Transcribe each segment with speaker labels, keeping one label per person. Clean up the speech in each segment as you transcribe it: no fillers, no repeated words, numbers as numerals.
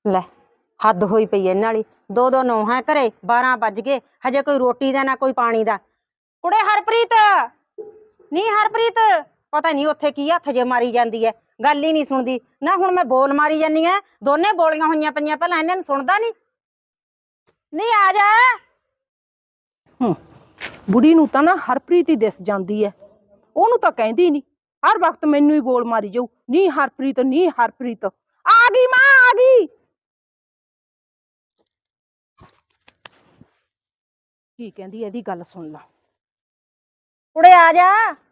Speaker 1: ਲੈ ਹੱਦ ਹੋਈ ਪਈ ਇਹਨਾਂ ਵਾਲੀ। ਦੋ ਦੋ ਨੌਹਾਂ ਘਰੇ, 12 ਵੱਜ ਗਏ, ਹਜੇ ਕੋਈ ਰੋਟੀ ਦਾ ਨਾ ਕੋਈ ਪਾਣੀ ਦਾ। ਕੁੜੇ ਹਰਪ੍ਰੀਤ, ਨੀ ਹਰਪ੍ਰੀਤ, ਪਤਾ ਨਹੀਂ ਉੱਥੇ ਕੀ ਹੱਥ ਜੇ ਮਾਰੀ ਜਾਂਦੀ ਐ, ਗੱਲ ਹੀ ਨਹੀਂ ਸੁਣਦੀ ਨਾ। ਹੁਣ ਮੈਂ ਬੋਲ ਮਾਰੀ ਜਾਨੀ ਐ, ਦੋਨੇ ਬੋਲੀਆਂ ਹੋਈਆਂ ਪਈਆਂ, ਪਹਿਲਾਂ ਇਹਨਾਂ ਨੂੰ ਸੁਣਦਾ ਨਹੀਂ ਆ ਜਾ।
Speaker 2: ਬੁੜੀ ਨੂੰ ਤਾਂ ਨਾ ਹਰਪ੍ਰੀਤ ਹੀ ਦਿਸ ਜਾਂਦੀ ਐ, ਉਹਨੂੰ ਤਾਂ ਕਹਿੰਦੀ ਨਹੀਂ, ਹਰ ਵਕਤ ਮੈਨੂੰ ਹੀ ਬੋਲ ਮਾਰੀ ਜਾਊ, ਨੀ ਹਰਪ੍ਰੀਤ ਨੀ ਹਰਪ੍ਰੀਤ। ਆ ਗਈ ਮਾਂ, ਆ ਗਈ। ਕੀ ਕਹਿੰਦੀ ਇਹਦੀ ਗੱਲ ਸੁਣ ਲਾ।
Speaker 1: ਕੁੜੇ ਆ ਜਾ।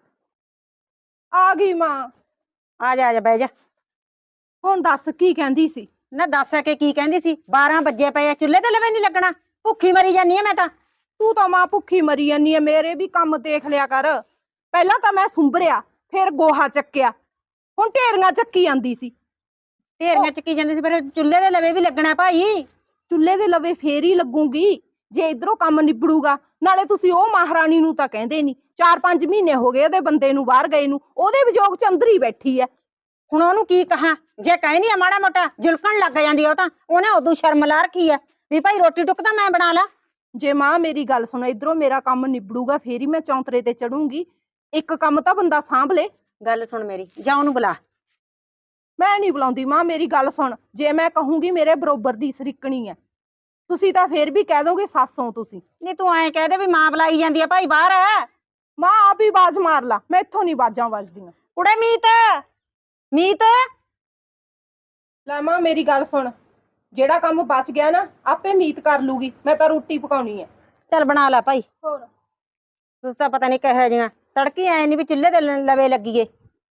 Speaker 2: ਆ ਗਈ ਮਾਂ।
Speaker 1: ਆ ਜਾ, ਆ ਜਾ, ਬਹਿ ਜਾ।
Speaker 2: ਹੁਣ ਦੱਸ ਕੀ ਕਹਿੰਦੀ ਸੀ?
Speaker 1: ਨਾ ਦੱਸ ਕੇ ਕੀ ਕਹਿੰਦੀ ਸੀ? 12 ਵੱਜੇ ਪਏ ਆ, ਚੁੱਲ੍ਹੇ ਤੇ ਲਵੇ ਨਹੀਂ ਲੱਗਣਾ, ਭੁੱਖੀ ਮਰੀ ਜਾਨੀ ਆ ਮੈਂ ਤਾਂ।
Speaker 2: ਤੂੰ ਤਾਂ ਮਾਂ ਭੁੱਖੀ ਮਰੀ ਜਾਨੀ ਐ, ਮੇਰੇ ਵੀ ਕੰਮ ਦੇਖ ਲਿਆ ਕਰ। ਪਹਿਲਾਂ ਤਾਂ ਮੈਂ ਸੁੰਭਰਿਆ, ਫਿਰ ਗੋਹਾ ਚੱਕਿਆ, ਹੁਣ ਢੇਰੀਆਂ ਚੱਕੀ ਜਾਂਦੀ ਸੀ।
Speaker 1: ਢੇਰੀਆਂ ਚੱਕੀ ਜਾਂਦੀ ਸੀ, ਫਿਰ ਚੁੱਲ੍ਹੇ ਦੇ ਲਵੇ ਵੀ ਲੱਗਣਾ ਭਾਈ।
Speaker 2: ਚੁੱਲ੍ਹੇ ਦੇ ਲਵੇ ਫੇਰ ਹੀ ਲੱਗੂਗੀ ਜੇ ਇਧਰੋਂ ਕੰਮ ਨਿਬੜੂਗਾ। ਨਾਲੇ ਤੁਸੀਂ ਉਹ ਮਹਾਰਾਣੀ ਨੂੰ ਤਾਂ ਕਹਿੰਦੇ ਨਹੀਂ, 4-5 ਮਹੀਨੇ ਹੋ ਗਏ ਉਹਦੇ ਬੰਦੇ ਨੂੰ ਬਾਹਰ ਗਏ ਨੂੰ, ਉਹਦੇ ਵਿਜੋਗ ਚ ਅੰਦਰ ਹੀ ਬੈਠੀ ਐ।
Speaker 1: ਹੁਣ ਉਹਨੂੰ ਕੀ ਕਹਾਂ? ਜੇ ਕਹਿਨੀ ਆ ਮਾੜਾ ਮੋਟਾ ਜੁਲਕਣ ਲੱਗ ਜਾਂਦੀ ਆ, ਉਹ ਤਾਂ ਉਹਨੇ ਉਦੋਂ ਸ਼ਰਮ ਲਾ ਰੱਖੀ ਐ ਵੀ ਭਾਈ ਰੋਟੀ ਟੁੱਕ ਤਾਂ ਮੈਂ ਬਣਾ ਲਾ।
Speaker 2: ਜੇ ਮਾਂ ਮੇਰੀ ਗੱਲ ਸੁਣ, ਇਧਰੋਂ ਮੇਰਾ ਕੰਮ ਨਿਬੜੂਗਾ ਫੇਰ ਹੀ ਮੈਂ ਚੌਂਤਰੇ ਤੇ ਚੜੂੰਗੀ। ਇੱਕ ਕੰਮ ਤਾਂ ਬੰਦਾ ਸਾਂਭ ਲੇ।
Speaker 1: ਗੱਲ ਸੁਣ ਮੇਰੀ, ਜਾਂ ਉਹਨੂੰ ਬੁਲਾ।
Speaker 2: ਮੈਂ ਨਹੀਂ ਬੁਲਾਉਂਦੀ ਮਾਂ, ਮੇਰੀ ਗੱਲ ਸੁਣ। ਜੇ ਮੈਂ ਕਹੂੰਗੀ ਮੇਰੇ ਬਰੋਬਰ ਦੀ ਸਰੀਕਣੀ ਐ, ਤੁਸੀਂ ਤਾਂ ਫੇਰ ਵੀ ਕਹਿ ਦੋਗੇ ਸੱਸੋਂ ਤੁਸੀਂ।
Speaker 1: ਨਹੀਂ ਤੂੰ ਐਂ ਕਹਿ ਦੇ ਵੀ ਮਾਂ ਬੁਲਾਈ ਜਾਂਦੀ ਆ ਭਾਈ ਬਾਹਰ।
Speaker 2: ਮਾਂ ਆਪ ਹੀ ਆਵਾਜ਼ ਮਾਰ ਲਾ, ਮੈਂ ਇੱਥੋਂ ਨਹੀਂ ਆਵਾਜ਼ਾਂ ਵੱਜਦੀਆਂ।
Speaker 1: ਕੁੜੇ ਮੀਤ, ਮੀਤ।
Speaker 2: ਲੈ ਮਾਂ ਮੇਰੀ ਗੱਲ ਸੁਣ, ਜਿਹੜਾ ਕੰਮ ਬਚ ਗਿਆ ਨਾ ਆਪੇ ਮੀਤ ਕਰ ਲੂਗੀ, ਮੈਂ ਤਾਂ ਰੋਟੀ ਪਕਾਉਣੀ ਐ।
Speaker 1: ਚੱਲ ਬਣਾ ਲੈ ਭਾਈ।
Speaker 2: ਹੋਰ
Speaker 1: ਤੁਸੀਂ ਤਾਂ ਪਤਾ ਨਹੀਂ ਕਿਹੋ ਜਿਹੀਆਂ, ਤੜਕੀ ਐ ਨਹੀਂ ਵੀ ਚੁੱਲ੍ਹੇ ਤੇ ਲਵੇ ਲੱਗੀਏ।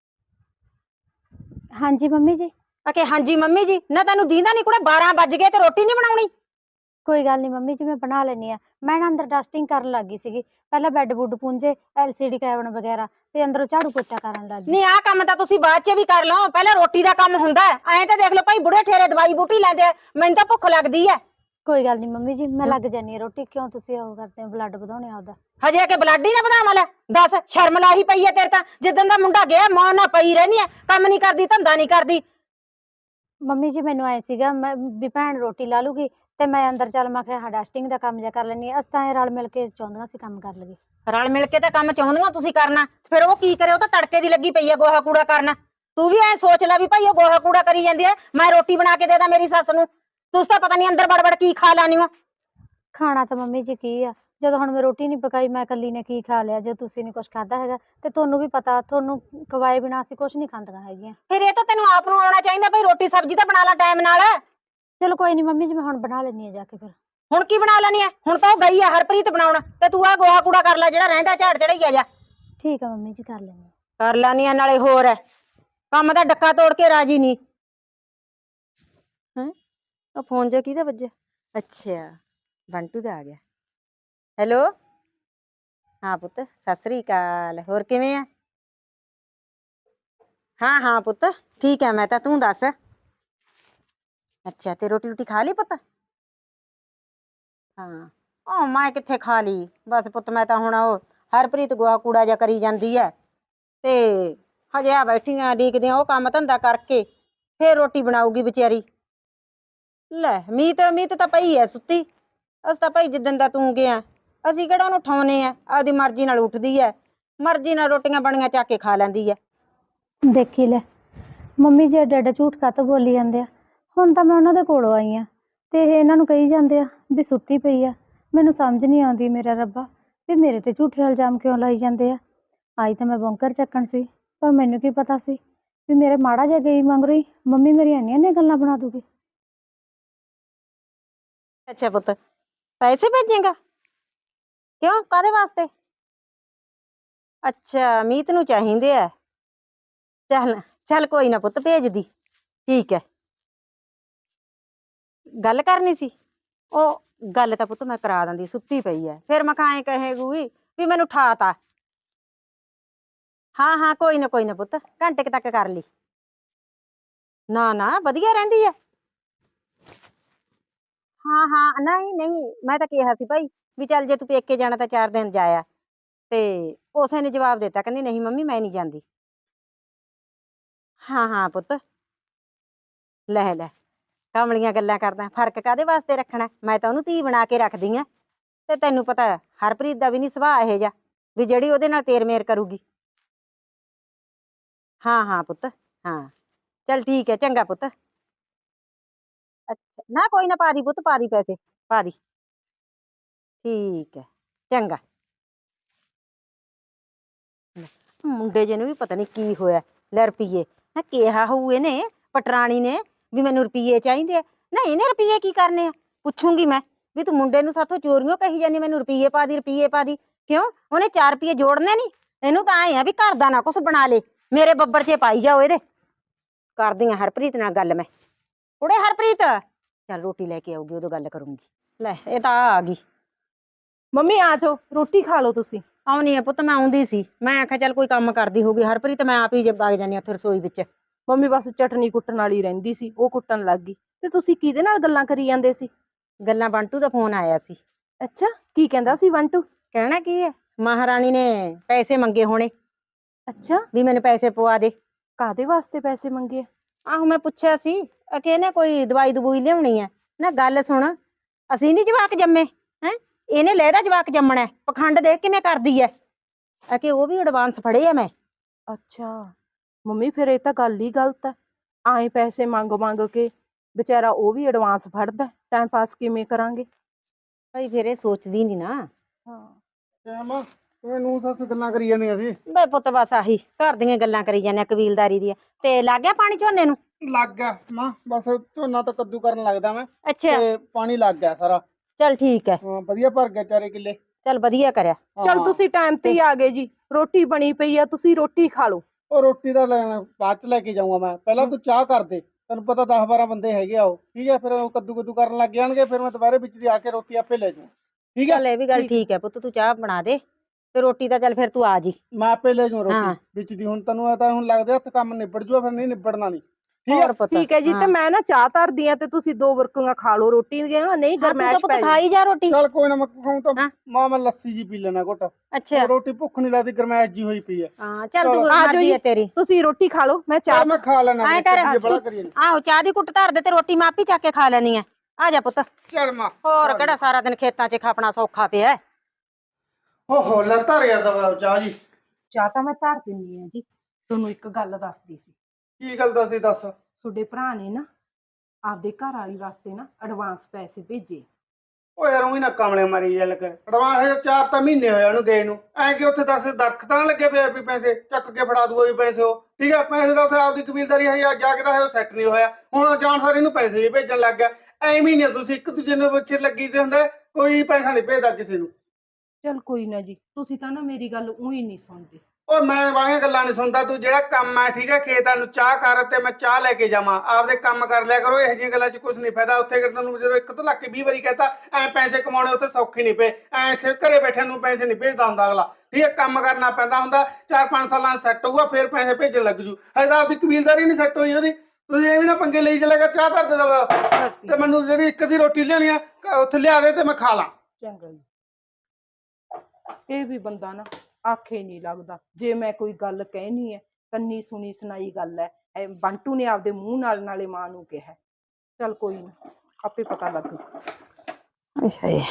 Speaker 3: ਹਾਂਜੀ ਮੰਮੀ ਜੀ।
Speaker 1: ਆਖੇ ਹਾਂਜੀ ਮੰਮੀ ਜੀ, ਨਾ ਤੈਨੂੰ ਦੀਂਦਾ ਨਹੀਂ ਕੁੜੇ 12 ਵੱਜ ਗਏ ਤੇ ਰੋਟੀ ਨਹੀਂ ਬਣਾਉਣੀ?
Speaker 3: ਕੋਈ ਗੱਲ ਨਹੀਂ ਮੰਮੀ ਜੀ, ਮੈਂ ਬਣਾ ਲੈਣੀ ਆ। ਮੈਂ ਨਾ ਅੰਦਰ ਡਸਟਿੰਗ ਕਰਨ ਲੱਗੀ ਸੀਗੀ, ਪਹਿਲਾਂ ਬੈੱਡ ਬੁੱਡ ਪੂੰਝੇ, LCD ਕੈਬਨ ਵਗੈਰਾ, ਤੇ ਅੰਦਰੋਂ ਝਾੜੂ ਪੋਚਾ ਕਰਨ ਲੱਗੀ।
Speaker 1: ਨਹੀਂ ਆਹ ਕੰਮ ਤਾਂ ਤੁਸੀਂ ਬਾਅਦ ਚ ਵੀ ਕਰ ਲਓ, ਪਹਿਲਾਂ ਰੋਟੀ ਦਾ ਕੰਮ ਹੁੰਦਾ ਐਂ। ਤਾਂ ਦੇਖ ਲਓ ਭਾਈ, ਬੁੜੇ ਠੇਰੇ ਦਵਾਈ ਬੂਟੀ ਲੈਂਦੇ ਆ, ਮੈਨੂੰ ਤਾਂ ਭੁੱਖ ਲੱਗਦੀ ਐ।
Speaker 3: ਕੋਈ ਗੱਲ ਨਹੀਂ ਮੰਮੀ ਜੀ, ਮੈਂ ਲੱਗ ਜਾਨੀ ਆ ਰੋਟੀ। ਕਿਉਂ ਤੁਸੀਂ ਉਹ ਕਰਦੇ ਹੋ, ਬਲੱਡ ਵਧਾਉਣੇ ਆਪਦਾ?
Speaker 1: ਹਜੇ ਕਿ ਬਲੱਡ ਹੀ ਨਾ ਵਧਾਵਾਂ? ਲੈ ਦੱਸ, ਸ਼ਰਮ ਲਾਹੀ ਪਈ ਐ ਤੇਰੇ ਤਾਂ। ਜਿੱਦਣ ਦਾ ਮੁੰਡਾ ਗਿਆ ਮੌਨ ਨਾਲ ਪਈ ਰਹਿਨੀ ਐ, ਕੰਮ ਨਹੀਂ ਕਰਦੀ, ਧੰਦਾ ਨਹੀਂ ਕਰਦੀ।
Speaker 3: ਮੰਮੀ ਜੀ ਮੈਨੂੰ ਐ ਸੀਗਾ ਮੈਂ ਵੀ ਭੈਣ ਰੋਟੀ ਲਾ ਲੂਗੀ ਤੇ ਮੈਂ ਅੰਦਰ, ਚੱਲ ਮੈਂ ਕਿਹਾ ਡਸਟਿੰਗ ਦਾ ਕੰਮ ਜਿਹਾ ਕਰ ਲੈਣੀ ਆ। ਅਸੀਂ ਤਾਂ ਰਲ ਮਿਲ ਕੇ ਚਾਹੁੰਦੀਆਂ ਸੀ ਕੰਮ ਕਰ ਲਈਏ।
Speaker 1: ਰਲ ਮਿਲ ਕੇ ਤਾਂ ਕੰਮ ਚਾਹੁੰਦੀਆਂ ਤੁਸੀਂ ਕਰਨਾ, ਫਿਰ ਉਹ ਕੀ ਕਰੇ? ਉਹ ਤਾਂ ਤੜਕੇ ਦੀ ਲੱਗੀ ਪਈ ਐ ਗੋਹਾ ਕੂੜਾ ਕਰਨਾ। ਤੂੰ ਵੀ ਐ ਸੋਚ ਲੈ ਵੀ ਭਾਈ ਉਹ ਗੋਹਾ ਕੂੜਾ ਕਰੀ ਜਾਂਦੀ ਐ, ਮੈਂ ਰੋਟੀ ਬਣਾ ਕੇ ਦੇ ਦਾਂ ਮੇਰੀ ਸੱਸ ਨੂੰ। ਤੁਸੀਂ ਤਾਂ ਪਤਾ ਨਹੀਂ ਅੰਦਰ ਵੜ ਕੀ ਖਾ ਲਾਨੀ ਹੋ।
Speaker 3: ਖਾਣਾ ਤਾਂ ਮੰਮੀ ਜੀ ਕੀ ਆ, ਜਦੋਂ ਹੁਣ ਮੈਂ ਰੋਟੀ ਨਹੀਂ ਪਕਾਈ, ਮੈਂ ਇਕੱਲੀ ਨੇ ਕੀ ਖਾ ਲਿਆ? ਜੇ ਤੁਸੀਂ ਨਹੀਂ ਕੁਝ ਖਾਧਾ ਹੈਗਾ ਤੇ ਤੁਹਾਨੂੰ ਵੀ ਪਤਾ, ਤੁਹਾਨੂੰ ਖਵਾਏ ਬਿਨਾਂ ਅਸੀਂ ਕੁਝ ਨਹੀਂ ਖਾਂਦੀਆਂ ਹੈਗੀਆਂ।
Speaker 1: ਫਿਰ ਇਹ ਤਾਂ ਤੈਨੂੰ ਆਪ ਨੂੰ ਆਉਣਾ ਚਾਹੀਦਾ ਭਾਈ, ਰੋਟੀ ਸਬਜ਼ੀ ਤਾਂ ਬਣਾ ਲਾ ਟਾਈਮ ਨਾਲ।
Speaker 3: ਚਲੋ ਕੋਈ ਨਹੀਂ ਮੰਮੀ ਜੀ, ਮੈਂ ਹੁਣ ਬਣਾ ਲੈਣੀ ਆ ਜਾ ਕੇ। ਫਿਰ
Speaker 1: ਹੁਣ ਕੀ ਬਣਾ ਲੈਣੀ ਐ? ਹੁਣ ਤਾਂ ਉਹ ਗਈ ਆ ਹਰਪ੍ਰੀਤ ਬਣਾਉਣ, ਤੇ ਤੂੰ ਆ ਗੋਹਾ ਕੂੜਾ ਕਰ ਲੈ ਜਿਹੜਾ ਰਹਿੰਦਾ, ਝਾੜ ਚੜਾਈ ਆ ਜਾ।
Speaker 3: ਠੀਕ ਆ ਮੰਮੀ ਜੀ, ਕਰ ਲੈਣੀ
Speaker 1: ਕਰ ਲੈਣੀ ਆ। ਨਾਲੇ ਹੋਰ ਐ, ਕੰਮ ਦਾ ਡੱਕਾ ਤੋੜ ਕੇ ਰਾਜੀ ਨਹੀਂ ਹੈ। ਉਹ ਫੋਨ ਜਿਹਾ ਕਿਹਦਾ ਵੱਜਿਆ? ਅੱਛਾ, ਬੰਟੂ ਦਾ ਆ ਗਿਆ। ਹੈਲੋ, ਹਾਂ ਪੁੱਤ ਸਤਿ ਸ੍ਰੀ ਅਕਾਲ, ਹੋਰ ਕਿਵੇਂ ਆ? ਹਾਂ ਹਾਂ ਪੁੱਤ ਠੀਕ ਹੈ ਮੈਂ ਤਾਂ, ਤੂੰ ਦੱਸ। ਅੱਛਾ, ਤੇ ਰੋਟੀ ਰੋਟੀ ਖਾ ਲਈ ਪੁੱਤ? ਹਾਂ, ਉਹ ਮੈਂ ਕਿੱਥੇ ਖਾ ਲਈ ਬਸ ਪੁੱਤ, ਮੈਂ ਤਾਂ ਹੁਣ ਉਹ ਹਰਪ੍ਰੀਤ ਗੋਹਾ ਕੂੜਾ ਜਿਹਾ ਕਰੀ ਜਾਂਦੀ ਹੈ, ਤੇ ਹਜੇ ਆ ਬੈਠੀਆਂ ਡੀਕਦੀਆਂ ਉਹ ਕੰਮ ਧੰਦਾ ਕਰਕੇ, ਫੇਰ ਰੋਟੀ ਬਣਾਊਗੀ ਵਿਚਾਰੀ। ਲੈ ਮੀਤ, ਮੀਤ ਤਾਂ ਪਈ ਐ ਸੁੱਤੀ। ਅਸੀਂ ਤਾਂ ਭਾਈ ਜਿੱਦਣ ਦਾ ਤੂੰ ਗਿਆ, ਅਸੀਂ ਕਿਹੜਾ ਉਹਨੂੰ ਉਠਾਉਨੇ ਆ, ਆਪਦੀ ਮਰਜ਼ੀ ਨਾਲ ਉੱਠਦੀ ਐ, ਮਰਜ਼ੀ ਨਾਲ ਰੋਟੀਆਂ ਬਣੀਆਂ ਚੱਕ ਕੇ ਖਾ ਲੈਂਦੀ ਐ।
Speaker 3: ਦੇਖੀ ਲੈ ਮੰਮੀ ਜੀ, ਐਡਾ ਐਡਾ ਝੂਠ ਕਾਹਤੋਂ ਬੋਲੀ ਜਾਂਦੇ ਆ? ਹੁਣ ਤਾਂ ਮੈਂ ਉਹਨਾਂ ਦੇ ਕੋਲੋਂ ਆਈ ਆ ਤੇ ਇਹ ਇਹਨਾਂ ਨੂੰ ਕਹੀ ਜਾਂਦੇ ਆ ਵੀ ਸੁੱਤੀ ਪਈ ਆ। ਮੈਨੂੰ ਸਮਝ ਨਹੀਂ ਆਉਂਦੀ ਮੇਰਾ ਰੱਬਾ, ਵੀ ਮੇਰੇ ਤੇ ਝੂਠੇ ਇਲਜ਼ਾਮ ਕਿਉਂ ਲਾਈ ਜਾਂਦੇ ਆ? ਆਈ ਤਾਂ ਮੈਂ ਬੌਂਕਰ ਚੱਕਣ ਸੀ, ਪਰ ਮੈਨੂੰ ਕੀ ਪਤਾ ਸੀ ਵੀ ਮੇਰੇ ਮਾੜਾ ਜਿਹਾ ਗਈ ਮਗਰੋਂ ਹੀ ਮੰਮੀ ਮੇਰੀ ਇੰਨੀਆਂ ਗੱਲਾਂ ਬਣਾ ਦੂਗੀ।
Speaker 1: ਅੱਛਾ ਪੁੱਤ, ਪੈਸੇ ਭੇਜੇਗਾ? ਕਿਉਂ, ਕਾਹਦੇ ਵਾਸਤੇ? ਅੱਛਾ, ਮੀਤ ਨੂੰ ਚਾਹੀਦੇ ਆ। ਚੱਲ ਚੱਲ ਕੋਈ ਨਾ ਪੁੱਤ, ਭੇਜਦੀ। ਠੀਕ ਹੈ, ਗੱਲ ਕਰਨੀ ਸੀ? ਉਹ ਗੱਲ ਤਾਂ ਪੁੱਤ ਮੈਂ ਕਰਾ ਦਿੰਦੀ, ਸੁੱਤੀ ਪਈ ਐ, ਫਿਰ ਮੈਂ ਐਂ ਕਹੇਗੀ ਵੀ ਮੈਨੂੰ ਠਾਤਾ। ਹਾਂ ਹਾਂ ਕੋਈ ਨਾ ਪੁੱਤ, ਘੰਟੇ ਕੁ ਤੱਕ ਕਰ ਲਈ। ਨਾ ਨਾ ਵਧੀਆ ਰਹਿੰਦੀ ਐ। ਹਾਂ ਹਾਂ, ਨਹੀਂ ਨਹੀਂ, ਮੈਂ ਤਾਂ ਕਿਹਾ ਸੀ ਭਾਈ ਵੀ ਚੱਲ ਜੇ ਤੂੰ ਪੇਕੇ ਜਾਣਾ ਤਾਂ 4 ਦਿਨ ਜਾਇਆ, ਤੇ ਉਸੇ ਨੇ ਜਵਾਬ ਦਿੱਤਾ, ਕਹਿੰਦੀ ਨਹੀਂ ਮੰਮੀ ਮੈਂ ਨਹੀਂ ਜਾਂਦੀ। ਹਾਂ ਹਾਂ ਪੁੱਤ, ਲੈ ਲੈ, ਕਮਲੀਆਂ ਗੱਲਾਂ ਕਰਦਾ, ਫਰਕ ਕਾਦੇ ਵਾਸਤੇ ਰੱਖਣਾ? ਮੈਂ ਤਾਂ ਉਹਨੂੰ ਧੀ ਬਣਾ ਕੇ ਰੱਖਦੀ ਆ। ਤੇ ਤੈਨੂੰ ਪਤਾ ਹਰਪ੍ਰੀਤ ਦਾ ਵੀ ਨਹੀਂ ਸੁਭਾਅ ਇਹੋ ਜਿਹਾ ਵੀ ਜਿਹੜੀ ਉਹਦੇ ਨਾਲ ਤੇਰ ਮੇਰ ਕਰੂਗੀ। ਹਾਂ ਹਾਂ ਪੁੱਤ, ਹਾਂ ਚੱਲ ਠੀਕ ਹੈ, ਚੰਗਾ ਪੁੱਤ। ਅੱਛਾ ਨਾ, ਕੋਈ ਨਾ, ਪਾ ਦੀ ਪੁੱਤ, ਪਾ ਦੀ ਪੈਸੇ, ਪਾ ਦੀ। ਠੀਕ ਹੈ, ਚੰਗਾ। ਲੈ, ਮੁੰਡੇ ਜੇ ਨੂੰ ਵੀ ਪਤਾ ਨਹੀਂ ਕੀ ਹੋਇਆ। ਲੈ ਰੁਪਈਏ, ਹੈ ਕਿਹਾ ਹੋਊ ਇਹਨੇ ਪਟਰਾਣੀ ਨੇ ਵੀ ਮੈਨੂੰ ਰੁਪਈਏ ਚਾਹੀਦੇ ਆ। ਨਾ ਇਹਨੇ ਰੁਪਈਏ ਕੀ ਕਰਨੇ ਆ? ਪੁੱਛੂੰਗੀ ਮੈਂ ਵੀ ਤੂੰ ਮੁੰਡੇ ਨੂੰ ਸਾਥੋਂ ਚੋਰੀਆਂ ਕਹੀ ਜਾਂਦੀ ਮੈਨੂੰ ਰੁਪਈਏ ਪਾ ਦੀ, ਰੁਪਈਏ ਪਾ ਦੀ। ਕਿਉਂ? ਉਹਨੇ 4 ਰੁਪਈਏ ਜੋੜਨੇ ਨਹੀਂ? ਇਹਨੂੰ ਤਾਂ ਐਂ ਆ ਵੀ ਘਰ ਦਾ ਨਾ ਕੁਛ ਬਣਾ ਲੇ, ਮੇਰੇ ਬੱਬਰ 'ਚ ਪਾਈ ਜਾਓ ਇਹਦੇ। ਕਰਦੀ ਆ ਹਰਪ੍ਰੀਤ ਨਾਲ ਗੱਲ ਮੈਂ। ਕੁੜੇ ਹਰਪ੍ਰੀਤ, ਚੱਲ ਰੋਟੀ ਲੈ ਕੇ ਆਊਗੀ, ਉਦੋਂ ਗੱਲ ਕਰੂੰਗੀ। ਲੈ ਇਹ ਤਾਂ ਆ ਗਈ।
Speaker 2: ਮੰਮੀ ਆ ਜਾਓ, ਰੋਟੀ ਖਾ ਲਓ ਤੁਸੀਂ।
Speaker 1: ਆਉਣੀ ਆ ਪੁੱਤ, ਮੈਂ ਆਉਂਦੀ ਸੀ। ਮੈਂ ਆਖਿਆ ਚੱਲ ਕੋਈ ਕੰਮ ਕਰਦੀ ਹੋਊਗੀ ਹਰਪ੍ਰੀਤ, ਮੈਂ ਆਪ ਹੀ ਜੇ ਵਗ ਜਾਂਦੀ ਉੱਥੇ ਰਸੋਈ ਵਿੱਚ।
Speaker 2: ਮੰਮੀ ਬਸ ਚਟਨੀ ਕੁੱਟਣ ਵਾਲੀ ਰਹਿੰਦੀ ਸੀ, ਉਹ ਕੁੱਟਣ ਲੱਗ ਗਈ। ਤੇ ਤੁਸੀਂ ਕਿਹਦੇ ਨਾਲ ਗੱਲਾਂ ਕਰੀ ਜਾਂਦੇ ਸੀ?
Speaker 1: ਗੱਲਾਂ ਬੰਟੂ ਦਾ ਫੋਨ ਆਇਆ ਸੀ।
Speaker 2: ਅੱਛਾ, ਕੀ ਕਹਿੰਦਾ ਸੀ ਬੰਟੂ?
Speaker 1: ਕਹਿਣਾ ਕੀ ਹੈ, ਮਹਾਰਾਣੀ ਨੇ ਪੈਸੇ ਮੰਗੇ ਹੋਣੇ
Speaker 2: ਅੱਛਾ,
Speaker 1: ਵੀ ਮੈਨੂੰ ਪੈਸੇ ਪਵਾ ਦੇ।
Speaker 2: ਕਾਦੇ ਵਾਸਤੇ ਪੈਸੇ ਮੰਗੇ?
Speaker 1: ਆਹੋ ਮੈਂ ਪੁੱਛਿਆ ਸੀ, ਕਹਿੰਨੇ ਕੋਈ ਦਵਾਈ ਦਵੂਈ ਲਿਆਉਣੀ ਹੈ। ਨਾ ਗੱਲ ਸੁਣ, ਅਸੀਂ ਨੀ ਜਵਾਕ ਜੰਮੇ ਹੈ, ਇਹਨੇ ਲਹਿਦਾ ਜਵਾਕ ਜੰਮਣਾ। ਪਖੰਡ ਦੇਖ ਕਿਵੇਂ ਕਰਦੀ ਹੈ ਕਿ ਉਹ ਵੀ ਐਡਵਾਂਸ ਫੜੇ ਆ ਮੈਂ।
Speaker 2: ਅੱਛਾ ਮੰਮੀ, ਫਿਰ ਇਹ ਤਾਂ ਗੱਲ ਹੀ ਗਲਤ ਹੈ। ਆਏ ਪੈਸੇ ਮੰਗ ਮੰਗ ਕੇ ਵਿਚਾਰਾ ਉਹ ਵੀ ਐਡਵਾਂਸ ਫੜਦਾ, ਟਾਈਮ ਪਾਸ ਕਿਵੇਂ ਕਰਾਂਗੇ?
Speaker 1: ਭਾਈ ਫਿਰ ਇਹ ਸੋਚਦੀ ਨੀ ਨਾ।
Speaker 2: ਹਾਂ,
Speaker 4: ਨੂੰ ਸੱਸ ਗੱਲਾਂ ਕਰੀ ਜਾਂਦੀਆਂ ਸੀ।
Speaker 1: ਬੇ ਪੁੱਤ ਬਸ ਆਹੀ ਘਰ ਦੀਆਂ ਗੱਲਾਂ ਕਰੀ ਜਾਂਦੇ, ਕਬੀਲਦਾਰੀ ਦੀਆਂ। ਤੇ ਲੱਗ ਗਿਆ ਪਾਣੀ ਝੋਨੇ ਨੂੰ?
Speaker 4: ਲੱਗ ਗਿਆ ਮਾਂ, ਬਸ ਝੋਨਾ ਤਾਂ ਕੱਦੂ ਕਰਨ ਲੱਗਦਾ ਮੈਂ,
Speaker 1: ਅੱਛਾ,
Speaker 4: ਤੇ ਪਾਣੀ ਲੱਗ ਗਿਆ ਸਾਰਾ।
Speaker 1: ਚੱਲ ਠੀਕ ਹੈ।
Speaker 4: ਹਾਂ ਵਧੀਆ ਭਰ ਗਿਆ 4 ਕਿੱਲੇ।
Speaker 1: ਚੱਲ ਵਧੀਆ ਕਰਿਆ।
Speaker 2: ਚਲ
Speaker 4: ਹਾਂ।
Speaker 2: ਤੁਸੀਂ ਟਾਈਮ ਤੇ ਹੀ ਆ ਗਏ ਜੀ। ਰੋਟੀ ਬਣੀ ਪਈ ਆ, ਤੁਸੀਂ ਰੋਟੀ ਖਾ ਲਓ।
Speaker 4: ਉਹ ਰੋਟੀ ਦਾ ਲੈਣਾ ਬਾਅਦ ਚ ਲੈ ਕੇ ਜਾਊਂਗਾ ਮੈਂ, ਪਹਿਲਾਂ ਤੂੰ ਚਾਹ ਕਰ ਦੇ। ਤੈਨੂੰ ਪਤਾ 10-12 ਬੰਦੇ ਹੈਗੇ ਆ ਉਹ, ਠੀਕ ਹੈ? ਫਿਰ ਉਹ ਕੱਦੂ ਕੱਦੂ ਕਰਨ ਲੱਗ ਜਾਣਗੇ, ਫਿਰ ਮੈਂ ਦੁਬਾਰੇ ਵਿੱਚ ਦੀ ਆ ਕੇ ਰੋਟੀ ਆਪੇ ਲੈ ਜਾਊਂ, ਠੀਕ ਹੈ?
Speaker 1: ਚੱਲ ਇਹ ਵੀ ਗੱਲ ਠੀਕ ਹੈ ਪੁੱਤ, ਤੂੰ ਚਾਹ ਬਣਾ ਦੇ ਤੇ ਰੋਟੀ ਦਾ ਚੱਲ ਫਿਰ ਤੂੰ ਆ ਜੀ।
Speaker 4: ਮੈਂ ਆਪੇ ਲੈ ਜਾਊਂ
Speaker 1: ਹਾਂ।
Speaker 4: ਰੋਟੀ ਵਿੱਚ ਦੀ। ਹੁਣ ਤੈਨੂੰ ਤਾਂ ਹੁਣ ਲੱਗਦਾ ਹੱਥ ਕੰਮ ਨਿਬੜ ਜੂਆ, ਫਿਰ ਨਹੀਂ ਨਿਬੜਨਾ ਨਹੀਂ, ਠੀਕ ਹੈ?
Speaker 1: ਹੋਰ ਪੁੱਤ,
Speaker 2: ਠੀਕ ਹੈ ਜੀ। ਤੇ
Speaker 1: ਹਾਂ।
Speaker 2: ਮੈਂ ਨਾ ਚਾਹ ਧਰਦੀ ਆ ਤੇ ਤੁਸੀਂ 2 ਬੁਰਕੀਆਂ ਖਾ ਲਓ ਰੋਟੀ ਦੀਆਂ, ਨਹੀਂ
Speaker 1: ਹਾਂ, ਤੂੰ ਤਾਂ
Speaker 2: ਗਰਮੈਸ਼
Speaker 1: ਪੁੱਤ
Speaker 2: ਪੈ
Speaker 1: ਖਾਈ ਜਾ ਰੋਟੀ।
Speaker 4: ਚੱਲ ਕੋਈ ਨਾ, ਮੈਂ ਖਾਊਂ ਤਾਂ
Speaker 1: ਹਾਂ।
Speaker 4: ਮਾਂ ਮੈਂ ਲੱਸੀ ਜੀ ਪੀ ਲੈਣਾ ਘੁੱਟ।
Speaker 1: ਅੱਛਾ,
Speaker 4: ਰੋਟੀ ਭੁੱਖ ਨਹੀਂ ਲੱਗਦੀ, ਗਰਮੈਸ਼ ਜੀ ਹੋਈ ਪਈ ਹੈ।
Speaker 1: ਹਾਂ ਚੱਲ
Speaker 4: ਚਲੋ,
Speaker 1: ਤੂੰ
Speaker 2: ਆ ਜਾਓ
Speaker 1: ਮਰਜ਼ੀ
Speaker 2: ਜੀ,
Speaker 1: ਹੈ ਤੇਰੀ।
Speaker 2: ਤੁਸੀਂ ਰੋਟੀ ਖਾ ਲਓ, ਮੈਂ ਚਾਹ
Speaker 4: ਚੱਲ ਮੈਂ ਖਾ ਲੈਣਾ,
Speaker 1: ਐਂ ਕਰ,
Speaker 4: ਬੜਾ ਕਰੀ ਜਾਂਦੀ।
Speaker 1: ਆਹੋ ਚਾਹ ਦੀ ਕੁੱਟ ਧਰ ਦੇ ਤੇ ਰੋਟੀ ਮੈਂ ਆਪੀ ਚੱਕ ਕੇ ਖਾ ਲੈਣੀ ਆ। ਆ ਜਾ ਪੁੱਤ।
Speaker 4: ਚੱਲ ਮਾਂ,
Speaker 1: ਹੋਰ ਕਿਹੜਾ ਸਾਰਾ ਦਿਨ ਖੇਤਾਂ 'ਚ ਖਾਪਣਾ ਸੌਖਾ ਪਿਆ।
Speaker 4: ਹੋ ਲੱਤਾ ਰਿਆ ਦਵਾ ਚਾਹ ਜੀ।
Speaker 2: ਚਾਹ ਤਾਂ ਮੈਂ ਧਰ ਦਿੰਦੀ ਆ ਜੀ। ਤੁਹਾਨੂੰ ਇੱਕ ਗੱਲ ਦੱਸਦੀ ਸੀ।
Speaker 4: ਕੀ ਗੱਲ ਦੱਸਦੀ ਦੱਸ।
Speaker 2: ਤੁਹਾਡੇ ਭਰਾ ਨੇ ਨਾ ਆਪਦੇ ਘਰ ਵਾਲੀ ਵਾਸਤੇ ਨਾ ਐਡਵਾਂਸ ਪੈਸੇ ਭੇਜੇ।
Speaker 4: ਓ ਯਾਰ ਉਹੀ ਨਾ ਕਮਲੇ ਮਾਰੀ ਗੱਲ ਕਰ। ਐਡਵਾਂਸ 4 ਤਾਂ ਮਹੀਨੇ ਹੋਏ ਉਹਨੂੰ ਗਏ ਨੂੰ, ਐ ਕਿ ਉੱਥੇ 10 ਦਰਖਤਾਂ ਲੱਗੇ ਪਏ ਵੀ ਪੈਸੇ ਚੱਕ ਕੇ ਫੜਾ ਦੂਗਾ ਵੀ ਪੈਸੇ ਉਹ, ਠੀਕ ਹੈ? ਪੈਸੇ ਦਾ ਉੱਥੇ ਆਪਦੀ ਕਬੀਲਦਾਰੀ ਹੈ, ਜਾ ਕੇ ਤਾਂ ਉਹ ਸੈੱਟ ਨਹੀਂ ਹੋਇਆ। ਹੁਣ ਜਾਣ ਸਾਰ ਇਹਨੂੰ ਪੈਸੇ ਵੀ ਭੇਜਣ ਲੱਗ ਗਿਆ। ਐਵੇਂ ਨਹੀਂ ਤੁਸੀਂ ਇੱਕ ਦੂਜੇ ਨੂੰ ਪਿੱਛੇ ਲੱਗੀ ਤੇ ਹੁੰਦੇ, ਕੋਈ ਪੈਸਾ ਨਹੀਂ ਭੇਜਦਾ ਕਿਸੇ ਨੂੰ।
Speaker 2: ਚਲ ਕੋਈ ਨਾ ਜੀ, ਤੁਸੀਂ ਤਾਂ ਨਾ ਮੇਰੀ ਗੱਲ ਉਹੀ ਨਹੀਂ ਸੁਣਦੇ।
Speaker 4: ਓ ਮੈਂ ਵਾਲੀਆਂ ਗੱਲਾਂ ਨਹੀਂ ਸੁਣਦਾ। ਤੂੰ ਜਿਹੜਾ ਕੰਮ ਆ, ਠੀਕ ਹੈ? ਖੇਤਾਂ ਨੂੰ ਚਾਹ ਕਰ ਤੇ ਮੈਂ ਚਾਹ ਲੈ ਕੇ ਜਾਵਾਂ, ਆਪਦੇ ਕੰਮ ਕਰ ਲਿਆ ਕਰੋ। ਇਹੋ ਜਿਹੀਆਂ ਗੱਲਾਂ 'ਚ ਕੁਝ ਨਹੀਂ ਫਾਇਦਾ। ਉੱਥੇ ਤੈਨੂੰ ਜਦੋਂ 1 ਤੋਂ ਲੱਗ ਕੇ 20 ਵਾਰੀ ਕਹਤਾ ਐ ਪੈਸੇ ਕਮਾਉਣੇ ਉੱਥੇ ਸੌਖੇ ਨਹੀਂ ਪਏ। ਐ ਇੱਥੇ ਘਰੇ ਬੈਠੇ ਨੂੰ ਪੈਸੇ ਨਹੀਂ ਭੇਜਦਾ ਹੁੰਦਾ ਅਗਲਾ, ਠੀਕ ਹੈ? ਕੰਮ ਕਰਨਾ ਪੈਂਦਾ ਹੁੰਦਾ। 4-5 ਸਾਲਾਂ ਸੈੱਟ ਹੋਊਗਾ, ਫਿਰ ਪੈਸੇ ਭੇਜਣ ਲੱਗ ਜੂ। ਹਜੇ ਤਾਂ ਆਪਦੀ ਕਬੀਲਦਾਰੀ ਨਹੀਂ ਸੈੱਟ ਹੋਈ ਉਹਦੀ। ਤੁਸੀਂ ਐਵੇਂ ਨਾ ਪੰਗੇ ਲਈ ਚੱਲੇਗਾ। ਚਾਹ ਧਰ ਦੇ ਦਵਾ ਤੇ ਮੈਨੂੰ ਜਿਹੜੀ ਇੱਕ ਦੀ ਰੋਟੀ ਲਿਆਉਣੀ ਆ ਉੱਥੇ ਲਿਆ ਦੇ ਤੇ ਮੈਂ ਖਾ ਲਾਂ।
Speaker 2: ਚੰਗਾ ਜੀ। ਇਹ ਵੀ ਬੰਦਾ ਨਾ ਆਖੇ ਨਹੀਂ ਲੱਗਦਾ। ਜੇ ਮੈਂ ਕੋਈ ਗੱਲ ਕਹਿਣੀ ਹੈ, ਕੰਨੀ ਸੁਣੀ ਸੁਣਾਈ ਗੱਲ ਹੈ। ਬੰਟੂ ਨੇ ਆਪਦੇ ਮੂੰਹ ਨਾਲ ਨਾਲੇ ਮਾਂ ਨੂੰ ਕਿਹਾ। ਚੱਲ ਕੋਈ ਨਾ, ਆਪੇ ਪਤਾ ਲੱਗੂ।
Speaker 1: ਅੱਛਾ ਜੀ।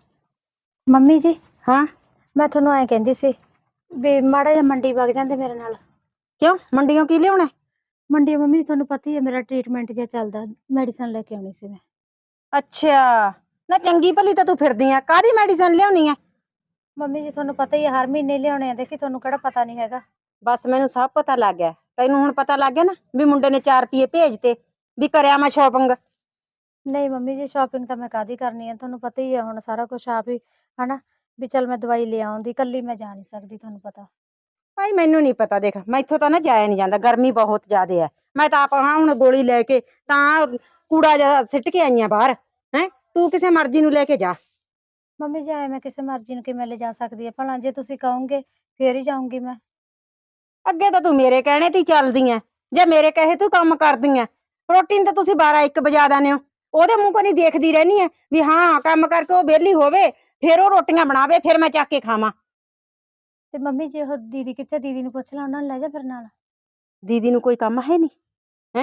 Speaker 3: ਮੰਮੀ ਜੀ,
Speaker 1: ਹਾਂ,
Speaker 3: ਮੈਂ ਤੁਹਾਨੂੰ ਐਂ ਕਹਿੰਦੀ ਸੀ ਵੀ ਮਾੜਾ ਜਿਹਾ ਮੰਡੀ ਵਗ ਜਾਂਦੇ ਮੇਰੇ ਨਾਲ।
Speaker 1: ਕਿਉਂ? ਮੰਡੀੋਂ ਕੀ ਲਿਆਉਣਾ?
Speaker 3: ਮੰਡੀ ਮੰਮੀ ਤੁਹਾਨੂੰ ਪਤਾ ਹੀ ਹੈ ਮੇਰਾ ਟ੍ਰੀਟਮੈਂਟ ਜਿਹਾ ਚੱਲਦਾ, ਮੈਡੀਸਨ ਲੈ ਕੇ ਆਉਣੀ ਸੀ ਮੈਂ।
Speaker 1: ਅੱਛਾ, ਨਾ ਚੰਗੀ ਭਲੀ ਤਾਂ ਤੂੰ ਫਿਰਦੀ ਆ, ਕਾਹਦੀ ਮੈਡੀਸਨ ਲਿਆਉਣੀ ਆ?
Speaker 3: ਮੰਮੀ ਜੀ ਤੁਹਾਨੂੰ ਪਤਾ ਹੀ ਹੈ ਹਰ ਮਹੀਨੇ ਲਿਆਉਣੇ ਆ, ਦੇਖੀ ਤੁਹਾਨੂੰ ਕਿਹੜਾ ਪਤਾ ਨਹੀਂ ਹੈਗਾ।
Speaker 1: ਬਸ ਮੈਨੂੰ ਸਭ ਪਤਾ ਲੱਗ ਗਿਆ। ਤੈਨੂੰ ਹੁਣ ਪਤਾ ਲੱਗ ਗਿਆ ਨਾ ਵੀ ਮੁੰਡੇ ਨੇ 4 ਰੁਪਏ ਭੇਜਤੇ, ਵੀ ਕਰਿਆ ਮੈਂ ਸ਼ਾਪਿੰਗ।
Speaker 3: ਨਹੀਂ ਮੰਮੀ ਜੀ, ਸ਼ਾਪਿੰਗ ਤਾਂ ਮੈਂ ਕਾਹਦੀ ਕਰਨੀ ਹੈ, ਤੁਹਾਨੂੰ ਪਤਾ ਹੀ ਹੈ ਹੁਣ ਸਾਰਾ ਕੁਝ ਆਪ ਹੀ, ਹਨਾ? ਵੀ ਚੱਲ ਮੈਂ ਦਵਾਈ ਲੈ ਆਉਂਦੀ, ਇਕੱਲੀ ਮੈਂ ਜਾ ਨਹੀਂ ਸਕਦੀ, ਤੁਹਾਨੂੰ ਪਤਾ।
Speaker 1: ਭਾਈ ਮੈਨੂੰ ਨਹੀਂ ਪਤਾ, ਦੇਖ ਮੈਥੋਂ ਤਾਂ ਨਾ ਜਾਇਆ ਨਹੀਂ ਜਾਂਦਾ, ਗਰਮੀ ਬਹੁਤ ਜ਼ਿਆਦੇ ਹੈ। ਮੈਂ ਤਾਂ ਆਪ ਹਾਂ ਹੁਣ ਗੋਲੀ ਲੈ ਕੇ ਤਾਂ ਕੂੜਾ ਜਿਹਾ ਸਿੱਟ ਕੇ ਆਈ ਆ ਬਾਹਰ। ਹੈ ਤੂੰ ਕਿਸੇ ਮਰਜ਼ੀ ਨੂੰ ਲੈ ਕੇ ਜਾ।
Speaker 3: ਮੰਮੀ ਜੀ ਆਏ ਮੈਂ ਕਿਸੇ ਮਰਜ਼ੀ ਨੂੰ ਕਿਵੇਂ ਲੈ ਜਾ ਸਕਦੀ ਹੈ ਭਲਾ? ਜੇ ਤੁਸੀਂ ਕਹੋਗੇ ਫੇਰ ਹੀ ਜਾਊਂਗੀ ਮੈਂ।
Speaker 1: ਅੱਗੇ ਤਾਂ ਤੂੰ ਮੇਰੇ ਕਹਿਣੇ ਤੇ ਹੀ ਚੱਲਦੀ ਐ, ਜੇ ਮੇਰੇ ਕਹੇ ਤੂੰ ਕੰਮ ਕਰਦੀ ਐ। ਰੋਟੀ ਨੂੰ ਤਾਂ ਤੁਸੀਂ 12-1 ਵਜਾ ਦਿੰਦੇ ਹੋ। ਉਹਦੇ ਮੂੰਹ ਕੋ ਨਹੀਂ ਦੇਖਦੀ ਰਹਿੰਦੀ ਐ ਵੀ ਹਾਂ ਕੰਮ ਕਰਕੇ ਉਹ ਵਿਹਲੀ ਹੋਵੇ, ਫਿਰ ਉਹ ਰੋਟੀਆਂ ਬਣਾਵੇ, ਫਿਰ ਮੈਂ ਚੱਕ ਕੇ ਖਾਵਾਂ।
Speaker 3: ਤੇ ਮੰਮੀ ਜੀ ਉਹ ਦੀਦੀ ਕਿੱਥੇ? ਦੀਦੀ ਨੂੰ ਪੁੱਛ ਲਾ, ਉਹਨਾਂ ਨੂੰ ਲੈ ਜਾ ਫਿਰ ਨਾਲ।
Speaker 1: ਦੀਦੀ ਨੂੰ ਕੋਈ ਕੰਮ ਹੈ ਨਹੀਂ ਹੈ?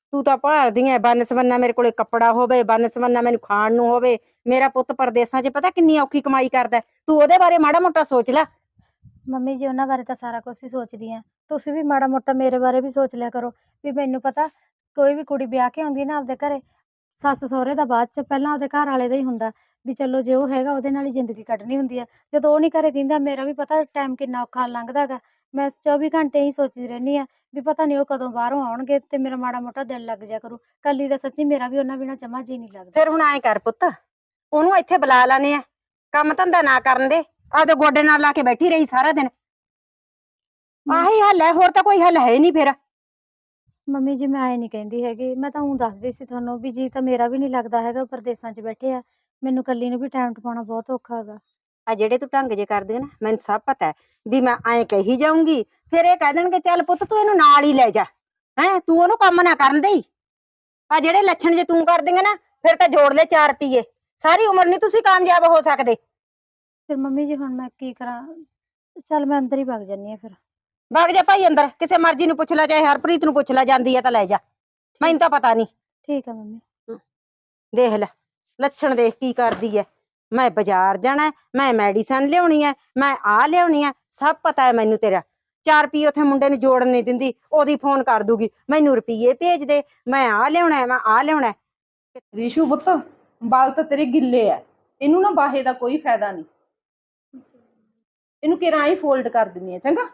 Speaker 1: ਤੂੰ ਤਾਂ ਭਾਲਦੀ ਐ ਬੰਨ ਸਵੰਨਾ ਮੇਰੇ ਕੋਲੇ ਕੱਪੜਾ ਹੋਵੇ, ਬੰਨ ਸਵੰਨਾ ਮੈਨੂੰ ਖਾਣ ਨੂੰ ਹੋਵੇ। ਮੇਰਾ ਪੁੱਤ ਪਰਦੇਸਾਂ 'ਚ ਪਤਾ ਕਿੰਨੀ ਔਖੀ ਕਮਾਈ ਕਰਦਾ ਹੈ। ਤੂੰ ਉਹਦੇ ਬਾਰੇ ਮਾੜਾ ਮੋਟਾ ਸੋਚ ਲੈ।
Speaker 3: ਮੰਮੀ ਜੀ ਉਹਨਾਂ ਬਾਰੇ ਤਾਂ ਸਾਰਾ ਕੁਝ ਹੀ ਸੋਚਦੀ ਆ, ਤੁਸੀਂ ਵੀ ਮਾੜਾ ਮੋਟਾ ਮੇਰੇ ਬਾਰੇ ਵੀ ਸੋਚ ਲਿਆ ਕਰੋ। ਵੀ ਮੈਨੂੰ ਪਤਾ ਕੋਈ ਵੀ ਕੁੜੀ ਵਿਆਹ ਕੇ ਆਉਂਦੀ ਨਾ ਆਪਦੇ ਘਰੇ, ਸੱਸ ਸਹੁਰੇ ਦਾ ਬਾਅਦ ਚ ਪਹਿਲਾਂ ਆਪਦੇ ਘਰ ਵਾਲੇ ਦਾ ਹੀ ਹੁੰਦਾ। ਵੀ ਚਲੋ ਜੇ ਉਹ ਹੈਗਾ ਉਹਦੇ ਨਾਲ ਹੀ ਜ਼ਿੰਦਗੀ ਕੱਢਣੀ ਹੁੰਦੀ ਆ। ਜਦੋਂ ਉਹ ਨਹੀਂ ਘਰੇ ਦਿੰਦਾ, ਮੇਰਾ ਵੀ ਪਤਾ ਟਾਈਮ ਕਿੰਨਾ ਔਖਾ ਲੰਘਦਾ ਗਾ। ਮੈਂ 24 ਘੰਟੇ ਹੀ ਸੋਚਦੀ ਰਹਿੰਦੀ ਆ ਵੀ ਪਤਾ ਨਹੀਂ ਉਹ ਕਦੋਂ ਬਾਹਰੋਂ ਆਉਣਗੇ ਤੇ ਮੇਰਾ ਮਾੜਾ ਮੋਟਾ ਦਿਲ ਲੱਗ ਜਾ ਕਰੂ। ਕੱਲੀ ਦਾ ਸੱਚੀ ਮੇਰਾ ਵੀ ਉਹਨਾਂ ਬਿਨਾਂ ਜਮਾ ਜੀ ਨਹੀਂ ਲੱਗਦਾ।
Speaker 1: ਫਿਰ ਹੁਣ ਐਂ ਕਰ ਪੁੱਤ, ਉਹਨੂੰ ਇੱਥੇ ਬੁਲਾ ਲਾਨੇ ਆ, ਕੰਮ ਧੰਦਾ ਨਾ ਕਰਨ ਦੇ, ਆਪਦੇ ਗੋਡੇ ਨਾਲ ਲਾ ਕੇ ਬੈਠੀ ਰਹੀ ਸਾਰਾ ਦਿਨ। ਆਹੀ ਹੱਲ ਹੈ, ਹੋਰ ਤਾਂ ਕੋਈ ਹੱਲ ਹੈ ਹੀ ਨਹੀਂ ਫਿਰ।
Speaker 3: ਮੰਮੀ ਜੀ ਮੈਂ ਐ ਨਹੀਂ ਕਹਿੰਦੀ ਹੈਗੀ, ਮੈਂ ਤਾਂ ਊਂ ਦੱਸਦੀ ਸੀ ਤੁਹਾਨੂੰ ਵੀ ਜੀ ਤਾਂ ਮੇਰਾ ਵੀ ਨਹੀਂ ਲੱਗਦਾ ਹੈਗਾ, ਉਹ ਪ੍ਰਦੇਸਾਂ 'ਚ ਬੈਠੇ ਆ। ਮੈਨੂੰ ਕੱਲੀ ਨੂੰ ਵੀ ਟਾਈਮ ਟਪਾਉਣਾ ਬਹੁਤ ਔਖਾ ਹੈਗਾ।
Speaker 1: ਆ ਜਿਹੜੇ ਤੂੰ ਢੰਗ ਜੇ ਕਰਦੀ ਹੈ ਨਾ, ਮੈਨੂੰ ਸਭ ਪਤਾ ਹੈ ਵੀ ਮੈਂ ਐਂ ਕਹੀ ਜਾਊਂਗੀ, ਫਿਰ ਇਹ ਕਹਿ ਦੇਣਗੇ ਚੱਲ ਪੁੱਤ ਤੂੰ ਇਹਨੂੰ ਨਾਲ ਹੀ ਲੈ ਜਾ, ਹੈਂ ਤੂੰ ਉਹਨੂੰ ਕੰਮ ਨਾ ਕਰਨ ਦੇਈ। ਆ ਜਿਹੜੇ ਲੱਛਣ ਜੇ ਤੂੰ ਕਰਦੀਆਂ ਨਾ, ਫਿਰ ਤਾਂ ਜੋੜ ਲੈ 4 ਰੁਪਈਏ, ਸਾਰੀ ਉਮਰ ਨਹੀਂ ਤੁਸੀਂ ਕਾਮਯਾਬ ਹੋ ਸਕਦੇ।
Speaker 3: ਫਿਰ ਮੰਮੀ ਜੀ ਹੁਣ ਮੈਂ ਕੀ ਕਰਾਂ? ਚੱਲ ਮੈਂ ਅੰਦਰ ਹੀ ਵਗ ਜਾਂਦੀ ਆ ਫਿਰ।
Speaker 1: ਵਗ ਜਾ ਭਾਈ ਅੰਦਰ, ਕਿਸੇ ਮਰਜ਼ੀ ਨੂੰ ਪੁੱਛ ਲੈ, ਚਾਹੇ ਹਰਪ੍ਰੀਤ ਨੂੰ ਪੁੱਛ ਲੈ, ਜਾਂਦੀ ਹੈ ਤਾਂ ਲੈ ਜਾ, ਮੈਨੂੰ ਤਾਂ ਪਤਾ ਨਹੀਂ।
Speaker 3: ਠੀਕ ਆ ਮੰਮੀ।
Speaker 1: ਦੇਖ ਲੈ ਲੱਛਣ, ਦੇਖ ਕੀ ਕਰਦੀ ਐ। ਮੈਂ ਬਾਜ਼ਾਰ ਜਾਣਾ ਹੈ, ਮੈਂ ਮੈਡੀਸਨ ਲਿਆਉਣੀ ਹੈ, ਮੈਂ ਆਹ ਲਿਆਉਣੀ ਹੈ, ਸਭ ਪਤਾ ਹੈ ਮੈਨੂੰ ਤੇਰਾ। 4 ਰੁਪਈਏ ਉੱਥੇ ਮੁੰਡੇ ਨੂੰ ਜੋੜਨ ਨਹੀਂ ਦਿੰਦੀ, ਉਹਦੀ ਫੋਨ ਕਰ ਦੂਗੀ ਮੈਨੂੰ ਰੁਪਈਏ ਭੇਜ ਦੇ, ਮੈਂ ਆਹ ਲਿਆਉਣਾ, ਮੈਂ ਆਹ ਲਿਆਉਣਾ।
Speaker 2: ਰੀਸ਼ੂ ਪੁੱਤ, ਵਾਲ ਤਾਂ ਤੇਰੇ ਗਿੱਲੇ ਐ, ਇਹਨੂੰ ਨਾ ਬਾਹੇ ਦਾ ਕੋਈ ਫਾਇਦਾ ਨਹੀਂ। ਇਹਨੂੰ ਕਿਰਾਂ ਹੀ ਫੋਲਡ ਕਰ ਦਿੰਨੀ ਆ, ਚੰਗਾ।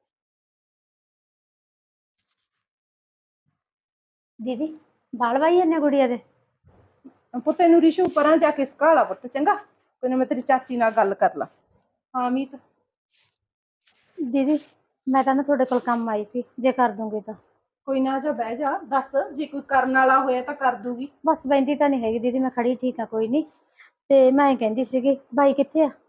Speaker 3: ਦੀਦੀ ਬਾਲ ਵਾਈ ਜਾਂਦੇ ਗੁੜੀਆ ਦੇ?
Speaker 2: ਪੁੱਤ ਇਹਨੂੰ ਰੀਸ਼ੂ ਪਰਾਂ ਜਾ ਕੇ ਸਕਾਲਾ ਪੁੱਤ, ਚੰਗਾ। ਕੋਈ ਨਾ ਮੈਂ ਤੇਰੀ ਚਾਚੀ ਨਾਲ ਗੱਲ ਕਰ ਲਾ। ਹਾਂ ਮੀਤ।
Speaker 3: ਦੀਦੀ ਮੈਂ ਤਾਂ ਨਾ ਤੁਹਾਡੇ ਕੋਲ ਕੰਮ ਆਈ ਸੀ, ਜੇ ਕਰ ਦੂੰਗੀ ਤਾਂ।
Speaker 2: ਕੋਈ ਨਾ, ਜਾ ਬਹਿ ਜਾ, ਦੱਸ ਜੇ ਕੋਈ ਕਰਨ ਵਾਲਾ ਹੋਇਆ ਤਾਂ ਕਰ ਦੂਗੀ।
Speaker 3: ਬਸ ਬਹਿੰਦੀ ਤਾਂ ਨਹੀਂ ਹੈਗੀ ਦੀਦੀ, ਮੈਂ ਖੜੀ ਠੀਕ ਆ, ਕੋਈ ਨਹੀਂ। ਤੇ ਮੈਂ ਕਹਿੰਦੀ ਸੀਗੀ ਬਾਈ ਕਿੱਥੇ ਆ?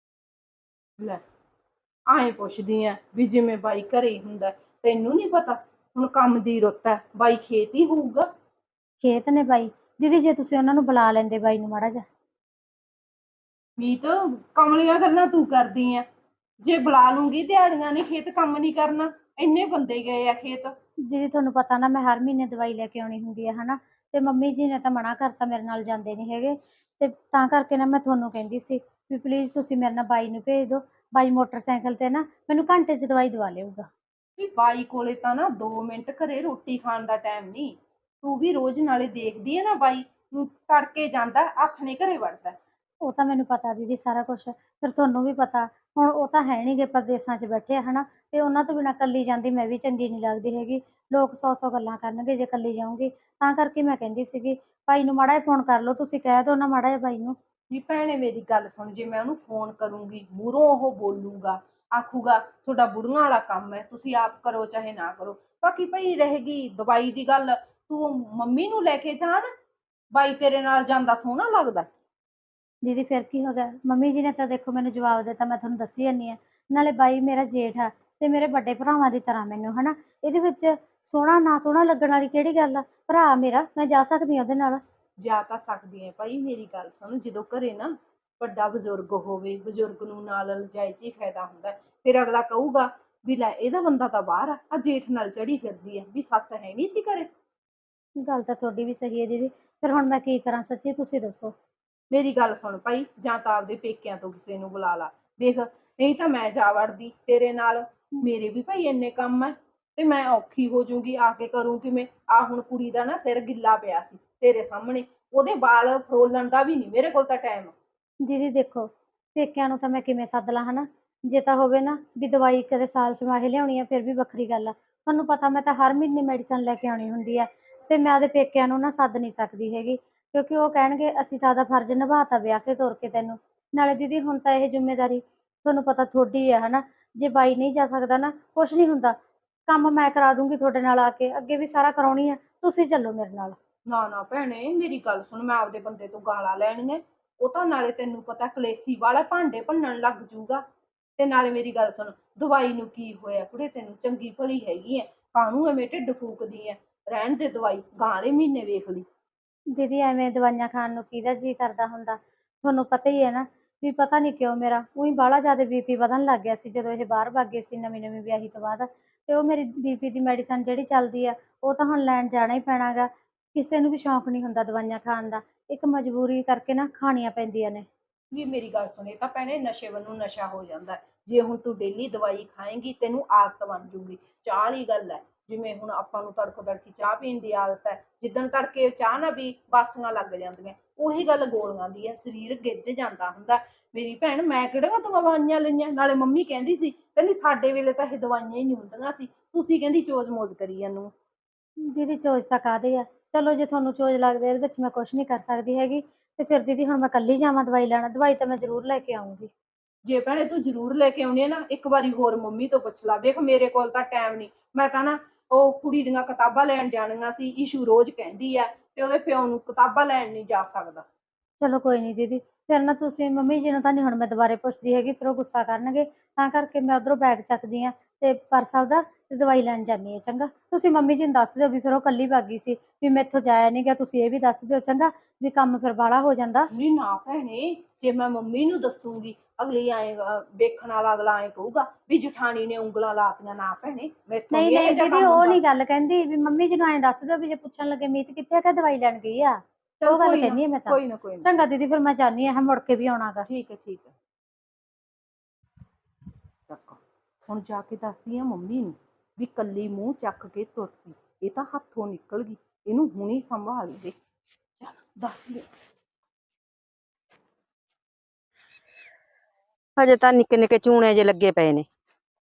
Speaker 2: ਲੈ ਆਏਂ ਪੁੱਛਦੀ ਆ ਵੀ ਜਿਵੇਂ ਬਾਈ ਘਰੇ ਹੀ ਹੁੰਦਾ, ਤੈਨੂੰ ਨਹੀਂ ਪਤਾ ਹੁਣ ਕੰਮ ਦੀ ਰੁੱਤ ਹੈ, ਬਾਈ ਖੇਤ ਹੀ ਹੋਊਗਾ।
Speaker 3: ਖੇਤ ਨੇ ਬਾਈ? ਦੀਦੀ ਜੇ ਤੁਸੀਂ ਉਹਨਾਂ ਨੂੰ ਬੁਲਾ ਲੈਂਦੇ ਬਾਈ ਨੂੰ ਮਾੜਾ ਜਿਹਾ।
Speaker 2: ਮੀਤ, ਕਮਲੀਆਂ ਗੱਲਾਂ ਤੂੰ ਕਰਦੀ ਆ। ਜੇ ਬੁਲਾ ਲੂੰਗੀ ਦਿਹਾੜੀਆਂ ਨੇ ਖੇਤ ਕੰਮ ਨਹੀਂ ਕਰਨਾ, ਇੰਨੇ ਬੰਦੇ ਗਏ ਆ ਖੇਤ।
Speaker 3: ਦੀਦੀ ਤੁਹਾਨੂੰ ਪਤਾ ਨਾ ਮੈਂ ਹਰ ਮਹੀਨੇ ਦਵਾਈ ਲੈ ਕੇ ਆਉਣੀ ਹੁੰਦੀ ਹੈ ਹਨਾ, ਤੇ ਮੰਮੀ ਜੀ ਨੇ ਤਾਂ ਮਨਾ ਕਰਤਾ, ਮੇਰੇ ਨਾਲ ਜਾਂਦੇ ਨਹੀਂ ਹੈਗੇ। ਤੇ ਤਾਂ ਕਰਕੇ ਨਾ ਮੈਂ ਤੁਹਾਨੂੰ ਕਹਿੰਦੀ ਸੀ ਵੀ ਪਲੀਜ਼ ਤੁਸੀਂ ਮੇਰੇ ਨਾਲ ਬਾਈ ਨੂੰ ਭੇਜ ਦਿਓ। ਬਾਈ ਮੋਟਰਸਾਈਕਲ ਤੇ ਨਾ ਮੈਨੂੰ ਘੰਟੇ 'ਚ ਦਵਾਈ ਦਵਾ ਲਿਆਊਗਾ।
Speaker 2: ਵੀ ਬਾਈ ਕੋਲੇ ਤਾਂ ਨਾ 2 ਮਿੰਟ ਘਰੇ ਰੋਟੀ ਖਾਣ ਦਾ ਟਾਈਮ ਨਹੀਂ। ਤੂੰ ਵੀ ਰੋਜ਼ ਨਾਲੇ ਦੇਖਦੀ ਹੈ ਨਾ, ਬਾਈ ਨੂੰ ਤੜਕੇ ਜਾਂਦਾ, ਹੱਥ ਨੇ ਘਰੇ ਵੜਦਾ।
Speaker 3: ਉਹ ਤਾਂ ਮੈਨੂੰ ਪਤਾ ਦੀਦੀ ਸਾਰਾ ਕੁਛ, ਫਿਰ ਤੁਹਾਨੂੰ ਵੀ ਪਤਾ। ਹੁਣ ਉਹ ਤਾਂ ਹੈ ਨਹੀਂ ਗੇ, ਪ੍ਰਦੇਸਾਂ 'ਚ ਬੈਠੇ ਆ ਹਨਾ, ਤੇ ਉਹਨਾਂ ਤੋਂ ਬਿਨਾਂ ਇਕੱਲੀ ਜਾਂਦੀ ਮੈਂ ਵੀ ਚੰਗੀ ਨਹੀਂ ਲੱਗਦੀ ਹੈਗੀ। ਲੋਕ 100 ਗੱਲਾਂ ਕਰਨਗੇ ਜੇ ਇਕੱਲੀ ਜਾਊਂਗੀ। ਤਾਂ ਕਰਕੇ ਮੈਂ ਕਹਿੰਦੀ ਸੀਗੀ ਭਾਈ ਨੂੰ ਮਾੜਾ ਜਿਹਾ ਫੋਨ ਕਰ ਲਓ, ਤੁਸੀਂ ਕਹਿ ਦਿਓ ਨਾ ਮਾੜਾ ਜਿਹਾ ਬਾਈ ਨੂੰ।
Speaker 2: ਵੀ ਭੈਣੇ ਮੇਰੀ ਗੱਲ ਸੁਣ, ਜੇ ਮੈਂ ਉਹਨੂੰ ਫੋਨ ਕਰੂੰਗੀ ਮੂਹਰੋਂ ਉਹ ਬੋਲੂਗਾ, ਆਖੂਗਾ ਤੁਹਾਡਾ ਬੁੜੀਆਂ ਵਾਲਾ ਕੰਮ ਹੈ, ਤੁਸੀਂ ਆਪ ਕਰੋ ਚਾਹੇ ਨਾ ਕਰੋ। ਬਾਕੀ ਭਾਈ ਰਹੇਗੀ ਦਵਾਈ ਦੀ ਗੱਲ, ਤੂੰ ਮੰਮੀ ਨੂੰ ਲੈ ਕੇ ਜਾ ਨਾ, ਬਾਈ ਤੇਰੇ ਨਾਲ ਜਾਂਦਾ ਸੋਹਣਾ ਲੱਗਦਾ।
Speaker 3: ਦੀਦੀ ਫਿਰ ਕੀ ਹੋ ਗਿਆ? ਮੰਮੀ ਜੀ ਨੇ ਤਾਂ ਦੇਖੋ ਮੈਨੂੰ ਜਵਾਬ ਦਿੱਤਾ, ਮੈਂ ਤੁਹਾਨੂੰ ਦੱਸੀ ਜਾਂਦੀ ਹਾਂ। ਨਾਲੇ ਬਾਈ ਮੇਰਾ ਜੇਠ ਆ ਤੇ ਮੇਰੇ ਵੱਡੇ ਭਰਾਵਾਂ ਦੀ ਤਰ੍ਹਾਂ ਮੈਨੂੰ ਹਨਾ, ਇਹਦੇ ਵਿੱਚ ਸੋਹਣਾ ਨਾ ਸੋਹਣਾ ਲੱਗਣ ਵਾਲੀ ਕਿਹੜੀ ਗੱਲ ਆ? ਭਰਾ ਮੇਰਾ, ਮੈਂ ਜਾ ਸਕਦੀ ਹਾਂ ਉਹਦੇ ਨਾਲ।
Speaker 2: ਜਾ ਤਾਂ ਸਕਦੀ ਹੈ ਭਾਈ, ਮੇਰੀ ਗੱਲ ਸੁਣ, ਜਦੋਂ ਘਰੇ ਨਾ ਵੱਡਾ ਬਜ਼ੁਰਗ ਹੋਵੇ, ਬਜ਼ੁਰਗ ਨੂੰ ਨਾਲ ਲਿਜਾਏ 'ਚ ਹੀ ਫਾਇਦਾ ਹੁੰਦਾ। ਫਿਰ ਅਗਲਾ ਕਹੂਗਾ ਵੀ ਲੈ ਇਹਦਾ ਬੰਦਾ ਤਾਂ ਬਾਹਰ ਆ ਜੇਠ ਨਾਲ ਚੜੀ ਫਿਰਦੀ ਹੈ, ਵੀ ਸੱਸ ਹੈ ਨਹੀਂ ਸੀ ਘਰੇ।
Speaker 3: ਗੱਲ ਤਾਂ ਤੁਹਾਡੀ ਵੀ ਸਹੀ ਹੈ ਦੀਦੀ, ਫਿਰ ਹੁਣ ਮੈਂ ਕੀ ਕਰਾਂ ਸੱਚੀ ਤੁਸੀਂ ਦੱਸੋ।
Speaker 2: ਮੇਰੀ ਗੱਲ ਸੁਣ ਭਾਈ, ਜਾਂ ਤਾਂ ਆਪਦੇ ਪੇਕਿਆਂ ਤੋਂ ਕਿਸੇ ਨੂੰ ਬੁਲਾ ਲਾ, ਵੇਖ ਨਹੀਂ ਤਾਂ ਮੈਂ ਜਾ ਵੜਦੀ ਤੇਰੇ ਨਾਲ। ਮੇਰੇ ਵੀ ਭਾਈ ਇੰਨੇ ਕੰਮ ਹੈ, ਤੇ ਮੈਂ ਔਖੀ ਹੋ ਜਾਊਂਗੀ, ਆ ਕੇ ਕਰੂੰ ਕਿਵੇਂ? ਆ ਹੁਣ ਕੁੜੀ ਦਾ ਨਾ ਸਿਰ ਗਿੱਲਾ ਪਿਆ ਸੀ ਤੇਰੇ ਸਾਹਮਣੇ, ਉਹਦੇ ਵਾਲ ਫਰੋਲਣ ਦਾ ਵੀ ਨਹੀਂ ਮੇਰੇ ਕੋਲ ਤਾਂ ਟਾਈਮ।
Speaker 3: ਦੀਦੀ ਦੇਖੋ ਪੇਕਿਆਂ ਨੂੰ ਤਾਂ ਮੈਂ ਕਿਵੇਂ ਸੱਦ ਲਾਂ ਹਨਾ, ਜੇ ਤਾਂ ਹੋਵੇ ਨਾ ਵੀ ਦਵਾਈ ਕਦੇ ਸਾਲ ਛਮਾਹੇ ਲਿਆਉਣੀ ਆ ਫਿਰ ਵੀ ਵੱਖਰੀ ਗੱਲ ਆ। ਤੁਹਾਨੂੰ ਪਤਾ ਮੈਂ ਤਾਂ ਹਰ ਮਹੀਨੇ ਮੈਡੀਸਨ ਲੈ ਕੇ ਆਉਣੀ ਹੁੰਦੀ ਆ, ਤੇ ਮੈਂ ਉਹਦੇ ਪੇਕਿਆਂ ਨੂੰ ਨਾ ਸੱਦ ਨਹੀਂ ਸਕਦੀ ਹੈਗੀ, ਕਿਉਂਕਿ ਉਹ ਕਹਿਣਗੇ ਅਸੀਂ ਤਾਂ ਆਪਦਾ ਫਰਜ਼ ਨਿਭਾਤਾ ਵਿਆਹ ਕੇ ਤੋਰ ਕੇ ਤੈਨੂੰ। ਨਾਲੇ ਦੀਦੀ ਹੁਣ ਤਾਂ ਇਹ ਜ਼ਿੰਮੇਵਾਰੀ ਤੁਹਾਨੂੰ ਪਤਾ ਤੁਹਾਡੀ ਹੈ ਹਨਾ, ਜੇ ਬਾਈ ਨਹੀਂ ਜਾ ਸਕਦਾ ਨਾ ਕੁਛ ਨਹੀਂ ਹੁੰਦਾ, ਕੰਮ ਮੈਂ ਕਰਾ ਦੂੰਗੀ ਤੁਹਾਡੇ ਨਾਲ ਆ ਕੇ, ਅੱਗੇ ਵੀ ਸਾਰਾ ਕਰਾਉਣੀ ਆ, ਤੁਸੀਂ ਚੱਲੋ ਮੇਰੇ ਨਾਲ।
Speaker 2: ਨਾ ਨਾ ਭੈਣੇ ਮੇਰੀ ਗੱਲ ਸੁਣ, ਮੈਂ ਆਪਦੇ ਬੰਦੇ ਤੋਂ ਗਾਲਾਂ ਲੈਣੀਆਂ? ਉਹ ਤਾਂ ਨਾਲੇ ਤੈਨੂੰ ਪਤਾ ਕਲੇਸੀ ਵਾਲਾ, ਭਾਂਡੇ ਭੰਨਣ ਲੱਗ ਜੂਗਾ। ਤੇ ਨਾਲੇ ਮੇਰੀ ਗੱਲ ਸੁਣ, ਦਵਾਈ ਨੂੰ ਕੀ ਹੋਇਆ ਕੁੜੇ, ਤੈਨੂੰ ਚੰਗੀ ਭਲੀ ਹੈਗੀ ਐ, ਕਾਹਨੂੰ ਐਵੇਂ ਢਿੱਡ ਫੂਕਦੀ ਐ? ਰਹਿਣ ਦੇ ਦਵਾਈ, ਗਾਲੇ ਮਹੀਨੇ ਵੇਖ ਲਈ।
Speaker 3: ਦੀਦੀ ਐਵੇਂ ਦਵਾਈਆਂ ਖਾਣ ਨੂੰ ਕਿਹਦਾ ਜੀ ਕਰਦਾ ਹੁੰਦਾ? ਤੁਹਾਨੂੰ ਪਤਾ ਹੀ ਹੈ ਨਾ ਵੀ ਪਤਾ ਨਹੀਂ ਕਿਉਂ ਮੇਰਾ ਉਹੀ ਬਾਹਲਾ ਜ਼ਿਆਦਾ ਬੀਪੀ ਵਧਣ ਲੱਗ ਗਿਆ ਸੀ ਜਦੋਂ ਇਹ ਬਾਹਰ ਭੱਗ ਗਏ ਸੀ ਨਵੀਂ ਨਵੀਂ ਵਿਆਹੀ ਤੋਂ ਬਾਅਦ। ਤੇ ਉਹ ਮੇਰੀ ਬੀਪੀ ਦੀ ਮੈਡੀਸਨ ਜਿਹੜੀ ਚੱਲਦੀ ਆ ਉਹ ਤਾਂ ਹੁਣ ਲੈਣ ਜਾਣਾ ਹੀ ਪੈਣਾਗਾ। ਕਿਸੇ ਨੂੰ ਵੀ ਸ਼ੌਂਕ ਨਹੀਂ ਹੁੰਦਾ ਦਵਾਈਆਂ ਖਾਣ ਦਾ, ਇੱਕ ਮਜਬੂਰੀ ਕਰਕੇ ਨਾ ਖਾਣੀਆਂ ਪੈਂਦੀਆਂ ਨੇ।
Speaker 2: ਵੀ ਮੇਰੀ ਗੱਲ ਸੁਣੇ ਤਾਂ ਭੈਣੇ, ਨਸ਼ੇ ਵੱਲੋਂ ਨਸ਼ਾ ਹੋ ਜਾਂਦਾ। ਜੇ ਹੁਣ ਤੂੰ ਡੇਲੀ ਦਵਾਈ ਖਾਏਂਗੀ ਤੈਨੂੰ ਆਦਤ ਬਣ ਜੂਗੀ। ਚਾਹ ਵਾਲੀ ਗੱਲ ਹੈ, ਜਿਵੇਂ ਹੁਣ ਆਪਾਂ ਨੂੰ ਤੜਕੋ ਤੜਕੀ ਚਾਹ ਪੀਣ ਦੀ ਆਦਤ ਹੈ, ਜਿੱਦਣ ਤੜਕੇ ਚਾਹ ਨਾ ਵੀ ਬਾਸੀਆਂ ਲੱਗ ਜਾਂਦੀਆਂ। ਉਹੀ ਗੱਲ ਗੋਲੀਆਂ ਦੀ ਹੈ, ਸਰੀਰ ਗਿੱਜ ਜਾਂਦਾ ਹੁੰਦਾ। ਮੇਰੀ ਭੈਣ, ਮੈਂ ਕਿਹੜਾ ਦਵਾਈਆਂ ਲਈਆਂ? ਨਾਲੇ ਮੰਮੀ ਕਹਿੰਦੀ ਸੀ, ਕਹਿੰਦੀ ਸਾਡੇ ਵੇਲੇ ਤਾਂ ਇਹ ਦਵਾਈਆਂ ਹੀ ਨਹੀਂ ਹੁੰਦੀਆਂ ਸੀ, ਤੁਸੀਂ ਕਹਿੰਦੀ ਚੋਜ ਮੋਜ ਕਰੀ ਜਾਂਦੇ।
Speaker 3: ਦੀਦੀ ਚੋਜ ਤਾਂ ਕਾਹਦੇ ਆ, ਚਲੋ ਜੇ ਤੁਹਾਨੂੰ ਚੋਜ ਲੱਗਦੇ ਇਹਦੇ ਵਿੱਚ ਮੈਂ ਕੁਛ ਨਹੀਂ ਕਰ ਸਕਦੀ ਹੈਗੀ। ਤੇ ਫਿਰ ਦੀਦੀ ਹੁਣ ਮੈਂ ਇਕੱਲੀ ਜਾਵਾਂ ਦਵਾਈ ਲੈਣਾ? ਦਵਾਈ ਤਾਂ ਮੈਂ ਜ਼ਰੂਰ ਲੈ ਕੇ ਆਉਂਗੀ।
Speaker 2: ਜੇ ਭੈਣੇ ਤੂੰ ਜ਼ਰੂਰ ਲੈ ਕੇ ਆਉਣੀ ਹੈ ਨਾ, ਇੱਕ ਵਾਰੀ ਹੋਰ ਮੰਮੀ ਤੋਂ ਪੁੱਛ ਲਾ। ਵੇਖ ਮੇਰੇ ਕੋਲ ਤਾਂ ਟਾਈਮ ਨਹੀਂ, ਮੈਂ ਤਾਂ ਨਾ ਉਹ ਕੁੜੀ ਦੀਆਂ ਕਿਤਾਬਾਂ ਲੈਣ ਜਾਣੀਆਂ ਸੀ। ਈਸ਼ੂ ਰੋਜ਼ ਕਹਿੰਦੀ ਆ, ਤੇ ਉਹਦੇ ਪਿਓ ਨੂੰ ਕਿਤਾਬਾਂ ਲੈਣ ਨਹੀਂ ਜਾ ਸਕਦਾ।
Speaker 3: ਚਲੋ ਕੋਈ ਨਹੀਂ ਦੀਦੀ, ਫਿਰ ਨਾ ਤੁਸੀਂ ਮੰਮੀ ਜੀ ਨੂੰ ਤਾਂ ਨਹੀਂ ਹੁਣ ਮੈਂ ਦੁਬਾਰੇ ਪੁੱਛਦੀ ਹੈਗੀ, ਫਿਰ ਉਹ ਗੁੱਸਾ ਕਰਨਗੇ। ਤਾਂ ਕਰਕੇ ਮੈਂ ਉਧਰੋਂ ਬੈਗ ਚੱਕਦੀ ਆ ਤੇ ਪਰਸ ਆਪਦਾ ਤੇ ਦਵਾਈ ਲੈਣ ਜਾਂਦੀ ਹਾਂ। ਚੰਗਾ, ਤੁਸੀਂ ਮੰਮੀ ਜੀ ਨੂੰ ਦੱਸ ਦਿਓ ਵੀ ਫਿਰ ਉਹ ਕੱਲੀ ਭਾਗੀ ਸੀ, ਵੀ ਮੈਥੋਂ ਜਾਇਆ ਨਹੀਂ ਗਿਆ। ਤੁਸੀਂ ਇਹ ਵੀ ਦੱਸ ਦਿਓ ਚੰਗਾ, ਵੀ ਕੰਮ ਫਿਰ ਬਾਹਲਾ ਹੋ ਜਾਂਦਾ।
Speaker 2: ਨਹੀਂ ਨਾ ਭੈਣੇ, ਜੇ ਮੈਂ ਮੰਮੀ ਨੂੰ ਦੱਸੂਗੀ ਅਗਲੀ ਆਏਗਾ ਵੇਖਣ ਵਾਲਾ, ਅਗਲਾ ਆਏ ਕਹੂਗਾ ਵੀ ਜਠਾਣੀ ਨੇ ਉਂਗਲਾਂ ਲਾਤੀਆਂ। ਨਾ ਭੈਣੇ, ਮੈਥੋਂ
Speaker 3: ਨਹੀਂ
Speaker 2: ਨਹੀਂ ਇਹ
Speaker 3: ਨਹੀਂ
Speaker 2: ਜਿਹਾ
Speaker 3: ਦੀਦੀ,
Speaker 2: ਕੰਮ
Speaker 3: ਉਹ
Speaker 2: ਹੁੰਦਾ।
Speaker 3: ਨਹੀਂ ਗੱਲ ਕਹਿੰਦੀ, ਵੀ ਮੰਮੀ ਜੀ ਨੂੰ ਐਂ ਦੱਸ ਦਿਓ ਵੀ ਜੇ ਪੁੱਛਣ ਲੱਗੇ ਮੀਤ ਕਿੱਥੇ ਆ, ਕਿ ਦਵਾਈ ਲੈਣ ਗਈ ਆ।
Speaker 2: ਚਲ
Speaker 3: ਉਹ ਗੱਲ
Speaker 2: ਕੋਈ ਨਾ,
Speaker 3: ਕਹਿੰਦੀ ਆ ਮੈਂ ਤਾਂ।
Speaker 2: ਕੋਈ ਨਾ, ਕੋਈ ਨਾ।
Speaker 3: ਚੰਗਾ ਦੀਦੀ, ਫਿਰ ਮੈਂ ਜਾਣੀ ਆ, ਮੁੜ ਕੇ ਵੀ ਆਉਣਾਗਾ।
Speaker 2: ਠੀਕ ਹੈ, ਠੀਕ ਹੈ। ਚੱਕ, ਹੁਣ ਜਾ ਕੇ ਦੱਸਦੀ ਆ ਮੰਮੀ ਨੂੰ ਵੀ ਕੱਲੀ ਮੂੰਹ ਚੱਕ ਕੇ ਤੁਰ ਪਈ। ਇਹ ਤਾਂ ਹੱਥੋਂ ਨਿਕਲ ਗਈ, ਇਹਨੂੰ ਹੁਣੀ ਸੰਭਾਲ ਦੇ। ਚੱਲ ਦੱਸਦੀ ਆ।
Speaker 1: ਹਜੇ ਤਾਂ ਨਿੱਕੇ ਨਿੱਕੇ ਚੂਣੇ ਜੇ ਲੱਗੇ ਪਏ ਨੇ,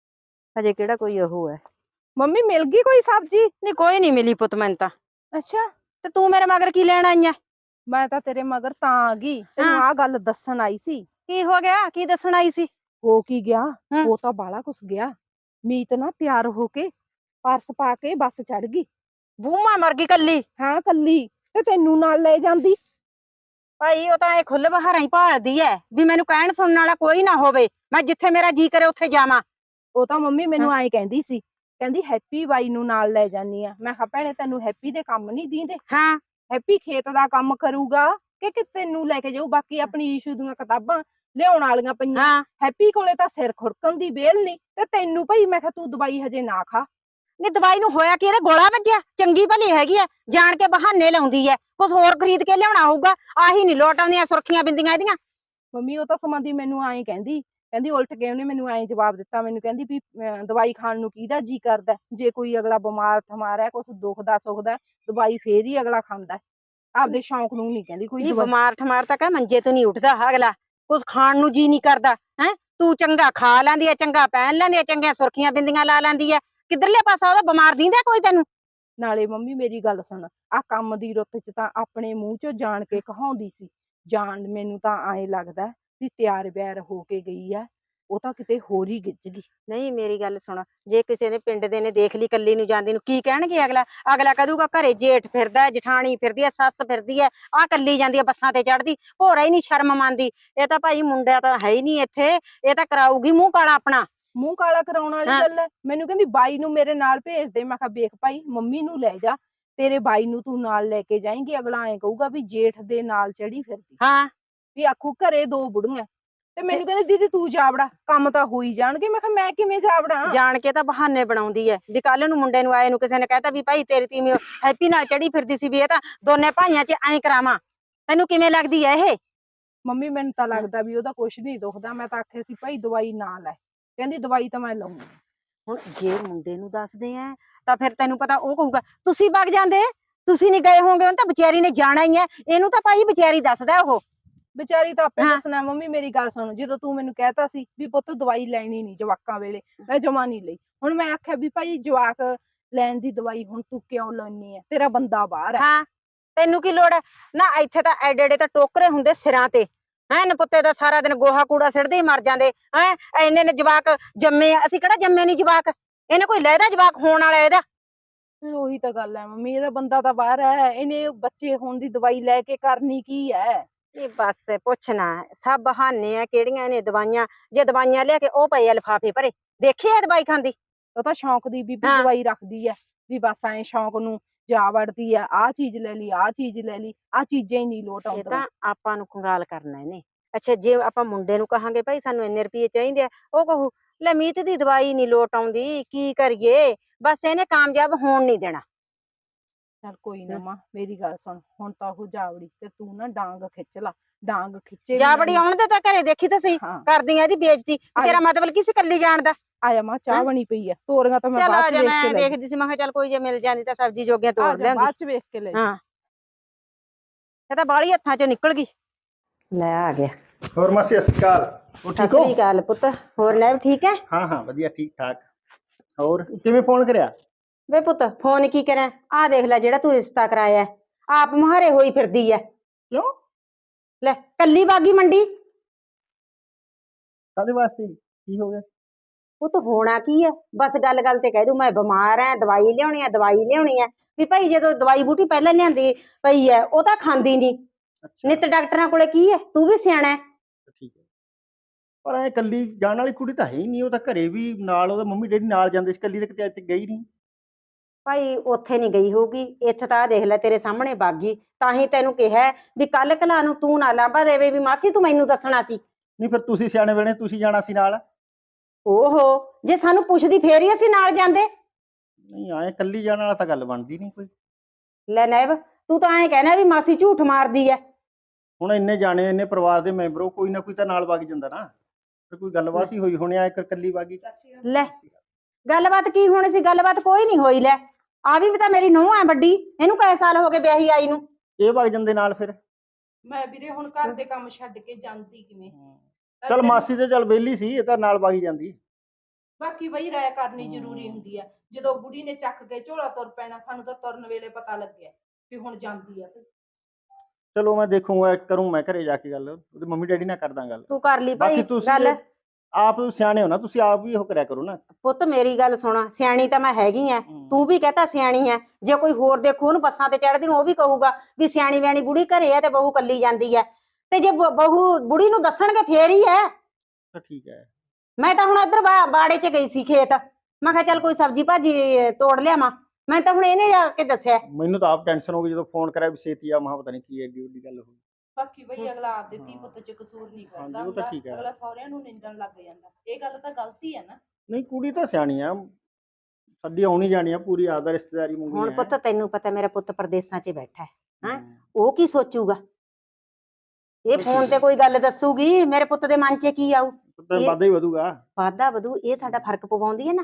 Speaker 1: ਹਜੇ ਕਿਹੜਾ ਕੋਈ ਉਹ ਹੈ।
Speaker 2: ਮੰਮੀ ਮਿਲ ਗਈ ਕੋਈ ਸਬਜ਼ੀ?
Speaker 1: ਨਹੀਂ, ਕੋਈ ਨਹੀਂ ਮਿਲੀ ਪੁੱਤ ਮੈਨੂੰ ਤਾਂ।
Speaker 2: ਅੱਛਾ,
Speaker 1: ਤੇ ਤੂੰ ਮੇਰੇ ਮਗਰ ਕੀ ਲੈਣ ਆਈ ਐ?
Speaker 2: ਮੈਂ ਤਾਂ ਤੇਰੇ ਮਗਰ ਤਾਂ ਆ ਗਈ, ਤੈਨੂੰ
Speaker 1: ਹਾਂ।
Speaker 2: ਆਹ ਗੱਲ ਦੱਸਣ ਆਈ ਸੀ।
Speaker 1: ਕੀ ਹੋ ਗਿਆ? ਕੀ ਦੱਸਣ ਆਈ ਸੀ?
Speaker 2: ਹੋ ਕੀ ਗਿਆ?
Speaker 1: ਹੂੰ।
Speaker 2: ਉਹ ਤਾਂ ਬਾਹਲਾ ਕੁਛ ਗਿਆ। ਮੀਤ ਨਾ ਤਿਆਰ ਹੋ ਕੇ ਪਰਸ ਪਾ ਕੇ ਬੱਸ ਚੜ ਗਈ।
Speaker 1: ਬੂਮਾ ਮਰ ਗਈ ਕੱਲੀ?
Speaker 2: ਹਾਂ ਕੱਲੀ, ਤੇ ਤੈਨੂੰ ਨਾਲ ਲੈ ਜਾਂਦੀ।
Speaker 1: ਭਾਈ ਉਹ ਤਾਂ ਇਹ ਖੁੱਲ ਬਹਾਰਾਂ ਹੀ ਭਾਲਦੀ ਐ ਵੀ ਮੈਨੂੰ ਕਹਿਣ ਸੁਣਨ ਵਾਲਾ ਕੋਈ ਨਾ ਹੋਵੇ, ਮੈਂ ਜਿੱਥੇ ਮੇਰਾ ਜੀ ਕਰੇ ਉੱਥੇ ਜਾਵਾਂ।
Speaker 2: ਉਹ ਤਾਂ ਮੰਮੀ
Speaker 1: ਹਾਂ।
Speaker 2: ਮੈਨੂੰ ਐਂ ਕਹਿੰਦੀ ਸੀ, ਕਹਿੰਦੀ ਹੈਪੀ ਬਾਈ ਨੂੰ ਨਾਲ ਲੈ ਜਾਨੀ ਆ। ਮੈਂ ਕਿਹਾ ਭੈਣੇ, ਤੈਨੂੰ ਹੈਪੀ ਦੇ ਕੰਮ ਨਹੀਂ ਦੀਂਦੇ?
Speaker 1: ਹਾਂ।
Speaker 2: ਹੈਪੀ ਖੇਤ ਦਾ ਕੰਮ ਕਰੂਗਾ ਕਿ ਤੈਨੂੰ ਲੈ ਕੇ ਜਾਊ? ਬਾਕੀ ਆਪਣੀ ਈਸ਼ੂ ਦੀਆਂ ਕਿਤਾਬਾਂ ਲਿਆਉਣ ਵਾਲੀਆਂ ਪਈਆਂ।
Speaker 1: ਹਾਂ।
Speaker 2: ਹੈਪੀ ਕੋਲੇ ਤਾਂ ਸਿਰ ਖੁਰਕਣ ਦੀ ਵੇਲ ਨਹੀਂ, ਤੇ ਤੈਨੂੰ ਭਾਈ ਮੈਂ ਕਿਹਾ ਤੂੰ ਦਵਾਈ ਹਜੇ ਨਾ ਖਾ।
Speaker 1: ਨਹੀਂ, ਦਵਾਈ ਨੂੰ ਹੋਇਆ ਕੀ? ਇਹਦੇ ਗੋਲਾ ਵੱਜਿਆ? ਚੰਗੀ ਭਲੀ ਹੈਗੀ ਐ, ਜਾਣ ਕੇ ਬਹਾਨੇ ਲਾਉਂਦੀ ਐ। ਕੁਛ ਹੋਰ ਖਰੀਦ ਕੇ ਲਿਆਉਣਾ ਹੋਊਗਾ, ਆਹੀ ਨਹੀਂ ਲੋਟ ਆਉਂਦੀਆਂ ਸੁਰਖੀਆਂ ਬਿੰਦੀਆਂ ਇਹਦੀਆਂ।
Speaker 2: ਮੰਮੀ ਉਹ ਤਾਂ ਸਮਾਂਦੀ ਮੈਨੂੰ ਐਂ ਕਹਿੰਦੀ ਉਲਟ ਕੇ ਉਹਨੇ ਮੈਨੂੰ ਐਂ ਜਵਾਬ ਦਿੱਤਾ। ਮੈਨੂੰ ਕਹਿੰਦੀ ਵੀ ਦਵਾਈ ਖਾਣ ਨੂੰ ਕਿਹਦਾ ਜੀ ਕਰਦਾ? ਜੇ ਕੋਈ ਅਗਲਾ ਬਿਮਾਰ ਠਮਾਰ ਹੈ, ਕੁਛ ਦੁਖਦਾ ਸੁਖਦਾ, ਦਵਾਈ ਫੇਰ ਹੀ ਅਗਲਾ ਖਾਂਦਾ। ਆਪਦੇ ਸ਼ੌਂਕ ਨੂੰ ਨਹੀਂ ਕਹਿੰਦੀ ਕੋਈ
Speaker 1: ਨਹੀਂ,
Speaker 2: ਦਵਾਈ।
Speaker 1: ਬਿਮਾਰ ਠਮਾਰ ਤਾਂ ਕਹਿ ਮੰਜੇ ਤੋਂ ਨਹੀਂ ਉੱਠਦਾ ਅਗਲਾ, ਕੁਛ ਖਾਣ ਨੂੰ ਜੀ ਨਹੀਂ ਕਰਦਾ ਹੈ। ਤੂੰ ਚੰਗਾ ਖਾ ਲੈਂਦੀ ਐ, ਚੰਗਾ ਪਹਿਨ ਲੈਂਦੀ ਐ, ਚੰਗੀਆਂ ਸੁਰਖੀਆਂ ਬਿੰਦੀਆਂ ਲਾ ਲੈਂਦੀ ਐ। ਕਿੱਧਰਲੇ ਪਾਸਾ ਉਹਦਾ ਬਿਮਾਰ ਦੀਂਦਾ ਕੋਈ ਤੈਨੂੰ?
Speaker 2: ਨਾਲੇ ਮੰਮੀ ਮੇਰੀ ਗੱਲ ਸੁਣ, ਆਹ ਕੰਮ ਦੀ ਰੁੱਤ ਚ ਤਾਂ ਆਪਣੇ ਮੂੰਹ ਚੋਂ ਜਾਣ ਕੇ ਕਹਾਉਂਦੀ ਸੀ। ਜਾਣ ਮੈਨੂੰ ਤਾਂ ਐਂ ਲੱਗਦਾ ਵੀ ਤਿਆਰ ਬਿਆਰ ਹੋ ਕੇ ਗਈ ਆ, ਉਹ ਤਾਂ ਕਿਤੇ ਹੋਰ ਹੀ ਗਿੱਜ ਗਈ।
Speaker 1: ਨਹੀਂ, ਮੇਰੀ ਗੱਲ ਸੁਣ, ਜੇ ਕਿਸੇ ਨੇ ਪਿੰਡ ਦੇ ਨੇ ਦੇਖ ਲਈ ਕੱਲੀ ਨੂੰ ਜਾਂਦੀ ਨੂੰ, ਕੀ ਕਹਿਣਗੇ? ਅਗਲਾ ਕਹੂਗਾ ਘਰੇ ਜੇਠ ਫਿਰਦਾ, ਜਠਾਣੀ ਫਿਰਦੀ ਐ, ਸੱਸ ਫਿਰਦੀ ਐ, ਆਹ ਕੱਲੀ ਜਾਂਦੀ ਐ ਬੱਸਾਂ ਤੇ ਚੜਦੀ, ਭੋਰਾ ਹੀ ਨਹੀਂ ਸ਼ਰਮ ਮੰਨਦੀ। ਇਹ ਤਾਂ ਭਾਈ ਮੁੰਡਾ ਤਾਂ ਹੈ ਹੀ ਨਹੀਂ ਇੱਥੇ, ਇਹ ਤਾਂ ਕਰਾਊਗੀ ਮੂੰਹ ਕਾਲਾ ਆਪਣਾ।
Speaker 2: ਮੂੰਹ ਕਾਲਾ ਕਰਾਉਣ ਵਾਲੀ
Speaker 1: ਹਾਂ।
Speaker 2: ਗੱਲ ਹੈ? ਮੈਨੂੰ ਕਹਿੰਦੀ ਬਾਈ ਨੂੰ ਮੇਰੇ ਨਾਲ ਭੇਜ ਦੇ। ਮੈਂ ਕਿਹਾ ਵੇਖ ਭਾਈ, ਮੰਮੀ ਨੂੰ ਲੈ ਜਾ, ਤੇਰੇ ਬਾਈ ਨੂੰ ਤੂੰ ਨਾਲ ਲੈ ਕੇ ਜਾਏਂਗੀ, ਅਗਲਾ ਐਂ ਕਹੂਗਾ ਵੀ ਜੇਠ ਦੇ ਨਾਲ ਚੜੀ ਫਿਰਦੀ।
Speaker 1: ਹਾਂ।
Speaker 2: ਵੀ ਆਖੂ ਘਰੇ ਦੋ ਬੁੜੀਆਂ। ਤੇ ਮੈਨੂੰ ਕਹਿੰਦੀ ਦੀਦੀ ਤੂੰ ਜਾਵੜਾ, ਕੰਮ ਤਾਂ ਹੋ ਹੀ ਜਾਣਗੇ। ਮੈਂ ਕਿਹਾ ਮੈਂ ਕਿਵੇਂ ਜਾਵੜਾ?
Speaker 1: ਜਾਣ ਕੇ ਤਾਂ ਬਹਾਨੇ ਬਣਾਉਂਦੀ ਐ ਵੀ ਕੱਲ ਨੂੰ ਮੁੰਡੇ ਨੂੰ ਆਏ ਨੂੰ ਕਿਸੇ ਨੇ ਕਹਿਤਾ ਵੀ ਭਾਈ ਤੇਰੀ ਤੀਵੀਂ ਹੈਪੀ ਨਾਲ ਚੜੀ ਫਿਰਦੀ ਸੀ, ਵੀ ਇਹ ਤਾਂ ਦੋਨੇ ਭਾਈਆਂ 'ਚ ਐਂ ਕਰਾਵਾਂ। ਤੈਨੂੰ ਕਿਵੇਂ ਲੱਗਦੀ ਐ ਇਹ?
Speaker 2: ਮੰਮੀ ਮੈਨੂੰ ਤਾਂ ਲੱਗਦਾ ਵੀ ਉਹਦਾ ਕੁਛ ਨਹੀਂ ਦੁਖਦਾ। ਮੈਂ ਤਾਂ ਆਖਿਆ ਸੀ ਭਾਈ ਦਵਾਈ ਨਾ ਲੈ, ਕਹਿੰਦੀ ਦਵਾਈ ਤਾਂ ਮੈਂ ਲਊਂਗੀ।
Speaker 1: ਹੁਣ ਜੇ ਮੁੰਡੇ ਨੂੰ ਦੱਸਦੇ ਆ ਤਾਂ ਫਿਰ ਤੈਨੂੰ ਪਤਾ ਉਹ ਕਹੂਗਾ ਤੁਸੀਂ ਵਗ ਜਾਂਦੇ, ਤੁਸੀਂ ਨਹੀਂ ਗਏ ਹੋਗੇ, ਉਹਨੂੰ ਤਾਂ ਵਿਚਾਰੀ ਨੇ ਜਾਣਾ ਹੀ ਐ। ਇਹਨੂੰ ਤਾਂ ਭਾਈ ਵਿਚਾਰੀ ਦੱਸਦਾ ਉਹ।
Speaker 2: ਵਿਚਾਰੀ ਤਾਂ ਆਪੇ
Speaker 1: ਹਾਂ।
Speaker 2: ਦੱਸਣਾ। ਮੰਮੀ ਮੇਰੀ ਗੱਲ ਸੁਣ, ਜਦੋਂ ਤੂੰ ਮੈਨੂੰ ਕਹਿਤਾ ਸੀ ਵੀ ਪੁੱਤ ਦਵਾਈ ਲੈਣੀ ਨਹੀਂ ਜਵਾਕਾਂ ਵੇਲੇ, ਮੈਂ ਜਮਾ ਨਹੀਂ ਲਈ। ਹੁਣ ਮੈਂ ਆਖਿਆ ਵੀ ਭਾਈ ਜਵਾਕ ਲੈਣ ਦੀ ਦਵਾਈ ਹੁਣ ਤੂੰ ਕਿਉਂ ਲੈਣੀ ਹੈ? ਤੇਰਾ ਬੰਦਾ ਬਾਹਰ ਹੈ।
Speaker 1: ਹਾਂ, ਤੈਨੂੰ ਕੀ ਲੋੜ ਹੈ? ਨਾ ਇੱਥੇ ਤਾਂ ਐਡੇ ਐਡੇ ਤਾਂ ਟੋਕਰੇ ਹੁੰਦੇ ਸਿਰਾਂ ਤੇ, ਹੈਂ ਨਪੁੱਤੇ ਦਾ ਸਾਰਾ ਦਿਨ ਗੋਹਾ ਕੂੜਾ ਸਿੱਟਦੇ ਹੀ ਮਰ ਜਾਂਦੇ। ਹੈਂ ਇੰਨੇ ਨੇ ਜਵਾਕ ਜੰਮੇ ਆ, ਅਸੀਂ ਕਿਹੜਾ ਜੰਮੇ ਨਹੀਂ ਜਵਾਕ? ਇਹਨੇ ਕੋਈ ਲੈਦਾ ਜਵਾਕ ਹੋਣ ਵਾਲਾ ਇਹਦਾ?
Speaker 2: ਫਿਰ ਉਹੀ ਤਾਂ ਗੱਲ ਹੈ ਮੰਮੀ, ਇਹਦਾ ਬੰਦਾ ਤਾਂ ਬਾਹਰ ਹੈ, ਇਹਨੇ ਬੱਚੇ ਹੋਣ ਦੀ ਦਵਾਈ ਲੈ ਕੇ ਕਰਨੀ ਕੀ ਹੈ?
Speaker 1: ਇਹ ਬਸ ਪੁੱਛਣਾ, ਸਭ ਬਹਾਨੇ ਆ। ਕਿਹੜੀਆਂ ਨੇ ਦਵਾਈਆਂ? ਜੇ ਦਵਾਈਆਂ ਲਿਆ ਕੇ ਉਹ ਪਏ ਆ ਲਿਫਾਫੇ ਭਰੇ, ਦੇਖੀ ਆ ਦਵਾਈ ਖਾਂਦੀ?
Speaker 2: ਉਹ ਤਾਂ ਸ਼ੌਂਕ ਦੀ ਬੀਬੀ
Speaker 1: ਹਾਂ।
Speaker 2: ਦਵਾਈ ਰੱਖਦੀ ਹੈ, ਵੀ ਬਸ ਐਂ ਸ਼ੌਂਕ ਨੂੰ ਜਾ ਵੜਦੀ ਆ, ਆਹ ਚੀਜ਼ ਲੈ ਲਈ, ਆਹ ਚੀਜ਼ ਲੈ ਲਈ, ਆਹ ਚੀਜ਼ਾਂ ਹੀ ਨਹੀਂ ਲੋਟ
Speaker 1: ਇਹ
Speaker 2: ਆਉਂਦੀਆਂ।
Speaker 1: ਤਾਂ ਆਪਾਂ ਨੂੰ ਕੰਗਾਲ ਕਰਨਾ ਇਹਨੇ। ਅੱਛਾ, ਜੇ ਆਪਾਂ ਮੁੰਡੇ ਨੂੰ ਕਹਾਂਗੇ ਭਾਈ ਸਾਨੂੰ ਇੰਨੇ ਰੁਪਏ ਚਾਹੀਦੇ ਆ, ਉਹ ਕਹੂ ਲੈ ਮੀਤ ਦੀ ਦਵਾਈ ਨਹੀਂ ਲੋਟ ਆਉਂਦੀ, ਕੀ ਕਰੀਏ, ਬਸ ਇਹਨੇ ਕਾਮਯਾਬ ਹੋਣ ਨਹੀਂ ਦੇਣਾ।
Speaker 2: ਚੱਲ ਕੋਈ ਨਾ ਮਾਂ, ਮੇਰੀ ਗੱਲ ਸੁਣ, ਹੁਣ ਤਾਂ ਉਹ ਜਾਵੜੀ ਤੇ ਤੂੰ ਨਾ ਡਾਂਗ ਖਿੱਚ ਲਾ, ਡਾਂਗ ਖਿੱਚੇ
Speaker 1: ਜਾ ਬੜੀ ਆਉਣ ਦੇ ਤਾਂ ਘਰੇ, ਦੇਖੀ ਤਾਂ ਸਹੀ
Speaker 2: ਹਾਂ
Speaker 1: ਕਰਦੀ ਆ ਇਹਦੀ ਬੇਇੱਜ਼ਤੀ। ਤੇਰਾ ਮਤਲਬ ਕੀ ਸੀ ਕੱਲੀ ਜਾਣ ਦਾ?
Speaker 2: ਆਇਆ ਮਾਂ, ਚਾਹ
Speaker 1: ਹੈਂ?
Speaker 2: ਬਣੀ ਪਈ ਆ, ਤੋਰੀਆਂ ਤਾਂ ਮੈਂ
Speaker 1: ਚੱਲ ਆ
Speaker 2: ਬਾਅਦ ਚ
Speaker 1: ਜਾ,
Speaker 2: ਵੇਖ ਕੇ
Speaker 1: ਮੈਂ
Speaker 2: ਲੈ
Speaker 1: ਦੇਖਦੀ ਸੀ, ਮੈਂ ਕਿਹਾ ਚੱਲ ਕੋਈ ਜੇ ਮਿਲ ਜਾਂਦੀ ਤਾਂ ਸਬਜ਼ੀ ਜੋਗੀਆਂ
Speaker 2: ਆ
Speaker 1: ਤੋੜ
Speaker 2: ਜਾ,
Speaker 1: ਲਿਆਉਂਦੀ।
Speaker 2: ਬਾਅਦ ਚ ਵੇਖ ਕੇ ਲੈ
Speaker 1: ਹਾਂ ਇਹ ਤਾਂ ਬਾਹਲੀ ਹੱਥਾਂ ਚੋਂ ਨਿਕਲ ਗਈ। ਲੈ ਆ ਗਿਆ।
Speaker 4: ਹੋਰ ਮਾਸੀ ਸਤਿ ਸ਼੍ਰੀ ਅਕਾਲ, ਹੋ
Speaker 1: ਸਤਿ
Speaker 4: ਠੀਕ ਹੋ?
Speaker 1: ਸ੍ਰੀ ਅਕਾਲ ਪੁੱਤ, ਹੋਰ ਲੈ ਠੀਕ ਹੈ?
Speaker 4: ਹਾਂ ਹਾਂ ਵਧੀਆ ਠੀਕ ਠਾਕ। ਹੋਰ ਕਿਵੇਂ ਫੋਨ ਕਰਿਆ?
Speaker 1: ਵੇ ਪੁੱਤ ਫੋਨ ਕੀ ਕਰਾਂ, ਆਹ ਦੇਖ ਲੈ ਜਿਹੜਾ ਤੂੰ ਰਿਸ਼ਤਾ ਕਰਾਇਆ ਹੈ, ਆਪ ਮੁਹਾਰੇ ਹੋਈ ਫਿਰਦੀ ਐ।
Speaker 4: ਕਿਉਂ?
Speaker 1: ਲੈ ਕੱਲੀ ਬਾਗੀ ਮੰਡੀ।
Speaker 4: ਕਾਹਦੇ ਵਾਸਤੇ, ਕੀ ਹੋ ਗਿਆ?
Speaker 1: ਪੁੱਤ ਹੋਣਾ ਕੀ ਹੈ, ਬਸ ਗੱਲ ਗੱਲ ਤੇ ਕਹਿ ਦੂ ਮੈਂ ਬਿਮਾਰ ਐ, ਦਵਾਈ ਲਿਆਉਣੀ ਐ, ਦਵਾਈ ਲਿਆਉਣੀ ਐ। ਵੀ ਭਾਈ ਜਦੋਂ ਦਵਾਈ ਬੂਟੀ ਪਹਿਲਾਂ ਲਿਆਂਦੀ ਪਈ ਐ, ਉਹ ਤਾਂ ਖਾਂਦੀ ਨਹੀਂ।
Speaker 4: ਅੱਛਾ
Speaker 1: ਨਿੱਤ ਡਾਕਟਰਾਂ ਕੋਲੇ ਕੀ ਐ, ਤੂੰ ਵੀ ਸਿਆਣਾ ਹੈ।
Speaker 4: ਠੀਕ ਹੈ, ਪਰ ਐ ਕੱਲੀ ਜਾਣ ਵਾਲੀ ਕੁੜੀ ਤਾਂ ਹੈ ਹੀ ਨਹੀਂ, ਉਹ ਤਾਂ ਘਰੇ ਵੀ ਨਾਲ ਉਹਦਾ ਮੰਮੀ ਡੈਡੀ ਨਾਲ ਜਾਂਦੇ ਸੀ, ਕੱਲੀ ਤਾਂ ਕਿਤੇ ਅੱਜ ਗਈ ਨਹੀਂ।
Speaker 1: ਭਾਈ ਉੱਥੇ ਨਹੀਂ ਗਈ ਹੋਊਗੀ, ਇੱਥੇ ਤਾਂ ਆਹ ਦੇਖ ਲੈ ਤੇਰੇ ਸਾਹਮਣੇ ਬਾਗੀ। ਤਾਂ ਹੀ ਤੈਨੂੰ ਕਿਹਾ ਵੀ ਕੱਲ ਕਲਾ ਨੂੰ ਤੂੰ ਨਾ ਲਾਂਭਾ ਦੇਵੇ ਵੀ ਮਾਸੀ ਤੂੰ ਮੈਨੂੰ ਦੱਸਣਾ ਸੀ।
Speaker 4: ਨਹੀਂ ਫਿਰ ਤੁਸੀਂ ਸਿਆਣੇ ਵੇਲੇ ਤੁਸੀਂ ਜਾਣਾ ਸੀ ਨਾਲ।
Speaker 1: ਓਹੋ, ਜੇ ਸਾਨੂੰ ਪੁੱਛਦੀ ਫੇਰ ਹੀ ਅਸੀਂ ਨਾਲ ਜਾਂਦੇ।
Speaker 4: ਨਹੀਂ ਐ ਕੱਲੀ ਜਾਣ ਵਾਲਾ ਤਾਂ ਗੱਲ ਬਣਦੀ ਨਹੀਂ ਕੋਈ।
Speaker 1: ਲੈ ਨੈਬ, ਤੂੰ ਤਾਂ ਐਂ ਕਹਿਣਾ ਵੀ ਮਾਸੀ ਝੂਠ ਮਾਰਦੀ ਐ।
Speaker 4: ਹੁਣ ਇੰਨੇ ਜਾਣੇ, ਇੰਨੇ ਪਰਿਵਾਰ ਦੇ ਮੈਂਬਰੋ, ਕੋਈ ਨਾ ਕੋਈ ਤਾਂ ਨਾਲ ਵਗ ਜਾਂਦਾ ਨਾ। ਫਿਰ ਕੋਈ ਗੱਲਬਾਤ ਹੀ ਹੋਈ ਹੋਣੀ, ਐ ਕੱਲੀ ਵਾਗੀ।
Speaker 1: ਲੈ ਗੱਲਬਾਤ ਕੀ ਹੋਣੀ ਸੀ, ਗੱਲਬਾਤ ਕੋਈ ਨਹੀਂ ਹੋਈ। ਲੈ ਆ ਵੀ ਤਾਂ ਮੇਰੀ ਨੂੰਹ ਐ ਵੱਡੀ, ਇਹਨੂੰ ਕਈ ਸਾਲ ਹੋ ਗਏ ਵਿਆਹੀ ਆਈ ਨੂੰ।
Speaker 4: ਇਹ ਵਗ ਜਾਂਦੇ ਨਾਲ ਫਿਰ।
Speaker 2: ਮੈਂ ਵੀਰੇ ਹੁਣ ਘਰ ਦੇ ਕੰਮ ਛੱਡ ਕੇ ਜਾਂਦੀ ਕਿਵੇਂ?
Speaker 4: ਚੱਲ ਮਾਸੀ ਤੇ ਚੱਲ ਵਿਹਲੀ ਸੀ, ਇਹ ਤਾਂ ਨਾਲ ਵਗ ਜਾਂਦੀ।
Speaker 2: ਬਾਕੀ ਬਈ ਰਾਇ ਕਰਨੀ ਜ਼ਰੂਰੀ ਹੁੰਦੀ ਆ। ਜਦੋਂ ਬੁੜੀ ਨੇ ਚੱਕ ਕੇ ਝੋਲਾ ਤੁਰ ਪੈਣਾ, ਸਾਨੂੰ ਤਾਂ ਤੁਰਨ ਵੇਲੇ ਪਤਾ ਲੱਗਿਆ ਵੀ ਹੁਣ ਜਾਂਦੀ ਆ।
Speaker 4: ਚਲੋ ਮੈਂ ਦੇਖੂੰਗਾ, ਕਰੂੰ ਮੈਂ ਘਰੇ ਜਾ ਕੇ ਗੱਲ, ਉਹਦੇ ਮੰਮੀ ਡੈਡੀ ਨਾਲ ਕਰਦਾ ਗੱਲ।
Speaker 1: ਤੂੰ ਕਰ ਲਈ ਭਾਈ
Speaker 4: ਬਾਕੀ ਤੁਸੀਂ
Speaker 1: ਗੱਲ।
Speaker 4: ਆਪ ਸਿਆਣੇ ਹੋ ਨਾ, ਤੁਸੀਂ ਆਪ ਵੀ ਉਹ ਕਰਿਆ ਕਰੋ ਨਾ।
Speaker 1: ਪੁੱਤ ਮੇਰੀ ਗੱਲ ਸੁਣਾ, ਸਿਆਣੀ ਤਾਂ ਮੈਂ ਹੈਗੀ ਐ, ਤੂੰ ਵੀ ਕਹਤਾ ਸਿਆਣੀ ਐ। ਜੇ ਕੋਈ ਹੋਰ ਦੇਖੂ ਉਹਨੂੰ ਬੱਸਾਂ ਤੇ ਚੜ੍ਹਦੀ ਨੂੰ, ਉਹ ਵੀ ਕਹੂਗਾ ਵੀ ਸਿਆਣੀ ਵਿਆਣੀ ਬੁੜੀ ਘਰੇ ਐ ਤੇ ਬਹੂ ਕੱਲੀ ਜਾਂਦੀ ਐ। ਤੇ ਜੇ ਬਹੂ ਬੁੜੀ ਨੂੰ ਦੱਸਣਗੇ ਫੇਰ ਹੀ ਐ।
Speaker 4: ਤਾਂ ਠੀਕ ਹੈ।
Speaker 1: ਮੈਂ ਤਾਂ ਹੁਣ ਇੱਧਰ ਬਾੜੇ 'ਚ ਗਈ ਸੀ ਖੇਤ, ਮੈਂ ਕਿਹਾ ਚੱਲ ਕੋਈ ਸਬਜ਼ੀ ਭਾਜੀ ਤੋੜ ਲਿਆਵਾਂ। ਮੈਂ ਤਾਂ ਹੁਣ ਇਹਨੇ ਆ ਕੇ ਦੱਸਿਆ।
Speaker 4: ਮੈਨੂੰ ਤਾਂ ਆਪ ਟੈਨਸ਼ਨ ਹੋ ਗਈ ਜਦੋਂ ਫੋਨ ਕਰਿਆ ਵੀ ਛੇਤੀ ਆ, ਮਹਾ ਪਤਾ ਨਹੀਂ ਕੀ ਐਡੀ ਵੱਡੀ ਗੱਲ ਹੋਈ।
Speaker 2: ਬਾਕੀ ਬਈ ਅਗਲਾ ਆਪਦੇ ਧੀ ਪੁੱਤ ਚ ਕਸੂਰ ਨਹੀਂ ਕਰਦਾ
Speaker 4: ਉਹ ਤਾਂ
Speaker 2: ਹੁੰਦਾ,
Speaker 4: ਠੀਕ ਹੈ।
Speaker 2: ਅਗਲਾ ਸਹੁਰਿਆਂ ਨੂੰ ਨਿੰਦਣ ਲੱਗ ਜਾਂਦਾ। ਇਹ ਗੱਲ ਤਾਂ ਗਲਤੀ ਹੈ ਨਾ।
Speaker 4: ਨਹੀਂ ਕੁੜੀ ਤਾਂ ਸਿਆਣੀ ਆ, ਸਾਡੀ ਆਉਣੀ ਜਾਣੀ ਆ ਪੂਰੀ, ਆਦਾ ਰਿਸ਼ਤੇਦਾਰੀ
Speaker 1: ਹੁਣ
Speaker 4: ਮੰਗੀ
Speaker 1: ਪੁੱਤ ਤੈਨੂੰ ਪਤਾ ਮੇਰਾ ਪੁੱਤ ਪ੍ਰਦੇਸਾਂ 'ਚ ਬੈਠਾ ਹੈ, ਉਹ ਕੀ ਸੋਚੂਗਾ? ਇਹ ਫੋਨ ਤੇ ਕੋਈ ਗੱਲ ਦੱਸੂਗੀ, ਮੇਰੇ ਪੁੱਤ ਦੇ ਮਨ 'ਚ ਕੀ ਆਊ?
Speaker 4: ਵਾਧਾ ਹੀ ਵਧੂਗਾ।
Speaker 1: ਵਾਧਾ ਵਧੂ, ਇਹ ਸਾਡਾ ਫਰਕ ਪਵਾਉਂਦੀ ਹੈ ਨਾ।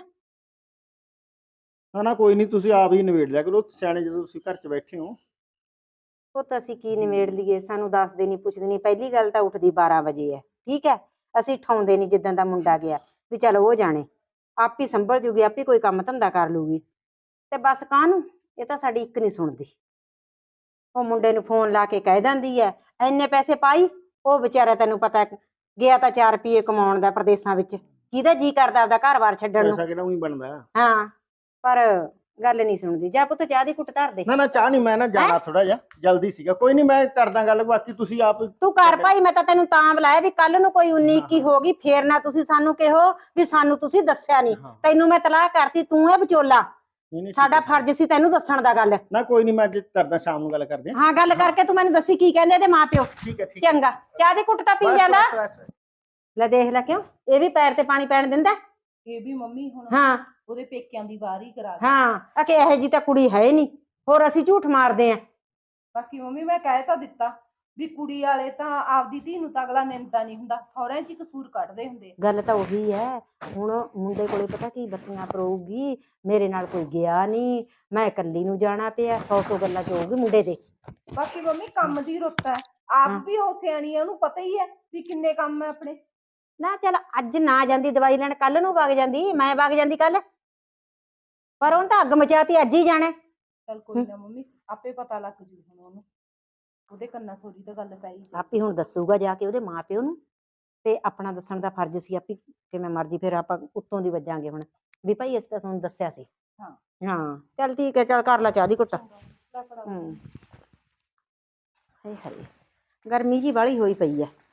Speaker 4: ਨਾ ਨਾ ਕੋਈ ਨਹੀਂ, ਤੁਸੀਂ ਆਪ ਹੀ ਨਿਬੇੜ ਲਿਆ ਕਰੋ, ਸਿਆਣੇ ਜਦੋਂ ਤੁਸੀਂ ਘਰ 'ਚ ਬੈਠੇ ਹੋ।
Speaker 1: ਪੁੱਤ ਅਸੀਂ ਕੀ ਨਿਬੇੜ ਲਈਏ, ਸਾਨੂੰ ਦੱਸਦੇ ਨਹੀਂ ਪੁੱਛਦੇ ਨਹੀਂ। ਪਹਿਲੀ ਗੱਲ ਤਾਂ ਉੱਠਦੀ 12 ਵਜੇ ਹੈ, ਠੀਕ ਹੈ, ਅਸੀਂ ਠਾਉਂਦੇ ਨਹੀਂ। ਜਿੱਦਾਂ ਦਾ ਮੁੰਡਾ ਗਿਆ ਵੀ ਚਲ ਉਹ ਜਾਣੇ, ਆਪ ਹੀ ਸੰਭਲ ਜੂਗੀ, ਆਪ ਹੀ ਕੋਈ ਕੰਮ ਧੰਦਾ ਕਰ ਲੂਗੀ। ਤੇ ਬਸ ਕਾਹਨੂੰ, ਇਹ ਤਾਂ ਸਾਡੀ ਇੱਕ ਨਹੀਂ ਸੁਣਦੀ। ਉਹ ਮੁੰਡੇ ਨੂੰ ਫੋਨ ਲਾ ਕੇ ਕਹਿ ਦਿੰਦੀ ਹੈ ਇੰਨੇ ਪੈਸੇ ਪਾਈ, ਉਹ ਵਿਚਾਰਾ ਤੈਨੂੰ ਪਤਾ ਗਿਆ ਤਾਂ 4 ਰੁਪਏ ਕਮਾਉਣ ਦਾ ਪ੍ਰਦੇਸਾਂ ਵਿੱਚ, ਕਿਹਦਾ ਜੀ ਕਰਦਾ ਆਪਦਾ ਘਰ-ਬਾਰ ਛੱਡਣ ਨੂੰ।
Speaker 4: ਪੈਸਾ ਕਿਹੜਾ ਉਹੀ ਬਣਦਾ।
Speaker 1: ਹਾਂ ਪਰ ਗੱਲ ਨਹੀਂ ਸੁਣਦੀ। ਜਾ ਪੁੱਤ ਚਾਹ ਦੀ ਘੁੱਟ ਧਰ ਦੇ।
Speaker 4: ਨਾ ਨਾ ਚਾਹ ਨਹੀਂ, ਮੈਂ ਨਾ ਜਾਣਾ ਥੋੜਾ ਜਿਹਾ ਜਲਦੀ ਸੀਗਾ, ਕੋਈ ਨਹੀਂ ਮੈਂ ਕਰਦਾ ਗੱਲ, ਬਾਕੀ ਤੁਸੀਂ ਆਪ।
Speaker 1: ਤੂੰ ਕਰ ਭਾਈ, ਮੈਂ ਤਾਂ ਤੈਨੂੰ ਤਾਂ ਬੁਲਾਇਆ ਵੀ ਕੱਲ ਨੂੰ ਕੋਈ 19-21 ਹੋ ਗਈ ਫੇਰ ਨਾ ਤੁਸੀਂ ਸਾਨੂੰ ਕਹੋ ਵੀ ਸਾਨੂੰ ਤੁਸੀਂ ਦੱਸਿਆ ਨਹੀਂ। ਤੈਨੂੰ ਮੈਂ ਤਲਾਕ ਕਰਤੀ, ਤੂੰ ਇਹ ਵਿਚੋਲਾ, ਸਾਡਾ ਫਰਜ਼ ਸੀ ਤੈਨੂੰ ਦੱਸਣ ਦਾ ਗੱਲ।
Speaker 4: ਨਾ ਕੋਈ ਨਹੀਂ, ਮੈਂ ਅੱਜ ਕਰਦਾ, ਸ਼ਾਮ ਨੂੰ ਗੱਲ ਕਰਦੇ
Speaker 1: ਹਾਂ ਗੱਲ ਕਰਕੇ ਤੂੰ ਮੈਨੂੰ ਦੱਸੀ ਕੀ ਕਹਿੰਦੇ ਇਹਦੇ ਮਾਂ ਪਿਓ।
Speaker 4: ਠੀਕ ਹੈ ਠੀਕ
Speaker 1: ਚੰਗਾ, ਚਾਹ ਦੀ ਘੁੱਟ ਤਾਂ ਪੀ ਜਾਂਦਾ। ਲੈ ਦੇਖ ਲੈ, ਕਿਉਂ ਇਹ ਵੀ ਪੈਰ ਤੇ ਪਾਣੀ ਪੈਣ ਦਿੰਦਾ?
Speaker 2: ਇਹ ਵੀ ਮੰਮੀ ਹੁਣ
Speaker 1: ਹਾਂ
Speaker 2: ਉਹਦੇ ਪੇਕਿਆਂ ਦੀ ਵਾਰੀ ਕਰਾ ਦੇ।
Speaker 1: ਹਾਂ ਆ ਕਿ ਇਹੋ ਜੀ ਤਾਂ ਕੁੜੀ ਹੈ ਨਹੀਂ, ਹੋਰ ਅਸੀਂ ਝੂਠ ਮਾਰਦੇ ਆਂ।
Speaker 2: ਬਾਕੀ ਮੰਮੀ ਮੈਂ ਕਹਿ ਤਾਂ ਦਿੱਤਾ ਵੀ ਕੁੜੀ ਵਾਲੇ ਤਾਂ ਆਪਦੀ ਧੀ ਨੂੰ ਤਾਂ ਅਗਲਾ ਨਿੰਦਾ ਨਹੀਂ ਹੁੰਦਾ, ਸਹੁਰਿਆਂ 'ਚ ਹੀ ਕਸੂਰ ਕੱਢਦੇ ਹੁੰਦੇ।
Speaker 1: ਗੱਲ ਤਾਂ ਉਹੀ ਹੈ। ਹੁਣ ਮੁੰਡੇ ਕੋਲੇ ਪਤਾ ਕੀ ਬੱਤੀਆਂ ਪਰੋਊਗੀ, ਮੇਰੇ ਨਾਲ ਕੋਈ ਗਿਆ ਨਹੀਂ, ਮੈਂ ਇਕੱਲੀ ਨੂੰ ਜਾਣਾ ਪਿਆ, 100 ਗੱਲਾਂ ਚ ਹੋਊਗੀ ਮੁੰਡੇ ਦੇ।
Speaker 2: ਬਾਕੀ ਮੰਮੀ ਕੰਮ ਦੀ ਰੁੱਤ ਹੈ, ਆਪ ਵੀ ਉਹ ਸਿਆਣੀ ਹੈ, ਉਹਨੂੰ ਪਤਾ ਹੀ ਹੈ ਵੀ ਕਿੰਨੇ ਕੰਮ ਹੈ ਆਪਣੇ।
Speaker 1: ਨਾ ਚੱਲ ਅੱਜ ਨਾ ਜਾਂਦੀ ਦਵਾਈ ਲੈਣ, ਕੱਲ ਨੂੰ ਵਗ ਜਾਂਦੀ, ਮੈਂ ਵਗ ਜਾਂਦੀ ਕੱਲ, ਪਰ ਉਹਨੇ ਤਾਂ ਅੱਗ ਮਚਾਤੀ, ਅੱਜ ਹੀ ਜਾਣਾ।
Speaker 2: ਚੱਲ ਕੋਈ ਨਾ ਮੰਮੀ, ਆਪੇ ਪਤਾ ਲੱਗ ਜੂ ਹੁਣ ਉਹਨੂੰ, ਉਹਦੇ ਕੰਨਾਂ ਸੋਰੀ ਤਾਂ ਗੱਲ ਪਈ।
Speaker 1: ਆਪੇ ਹੁਣ ਦੱਸੂਗਾ ਜਾ ਕੇ ਉਹਦੇ ਮਾਂ ਪਿਓ ਨੂੰ, ਤੇ ਆਪਣਾ ਦੱਸਣ ਦਾ ਫਰਜ਼ ਸੀ ਆਪੇ, ਕਿਵੇਂ ਮਰਜੀ ਫਿਰ ਆਪਾਂ ਉੱਤੋਂ ਦੀ ਵੱਜਾਂਗੇ ਹੁਣ ਵੀ ਭਾਈ ਅਸੀਂ ਤਾਂ ਤੁਹਾਨੂੰ ਦੱਸਿਆ ਸੀ। ਹਾਂ ਚੱਲ ਠੀਕ ਹੈ, ਚੱਲ ਕਰ ਲੈ ਚਾਹ ਦੀ ਘੁੱਟ। ਹਾਏ ਹਾਏ ਗਰਮੀ ਜੀ ਵਾਲੀ ਹੋਈ ਪਈ ਹੈ।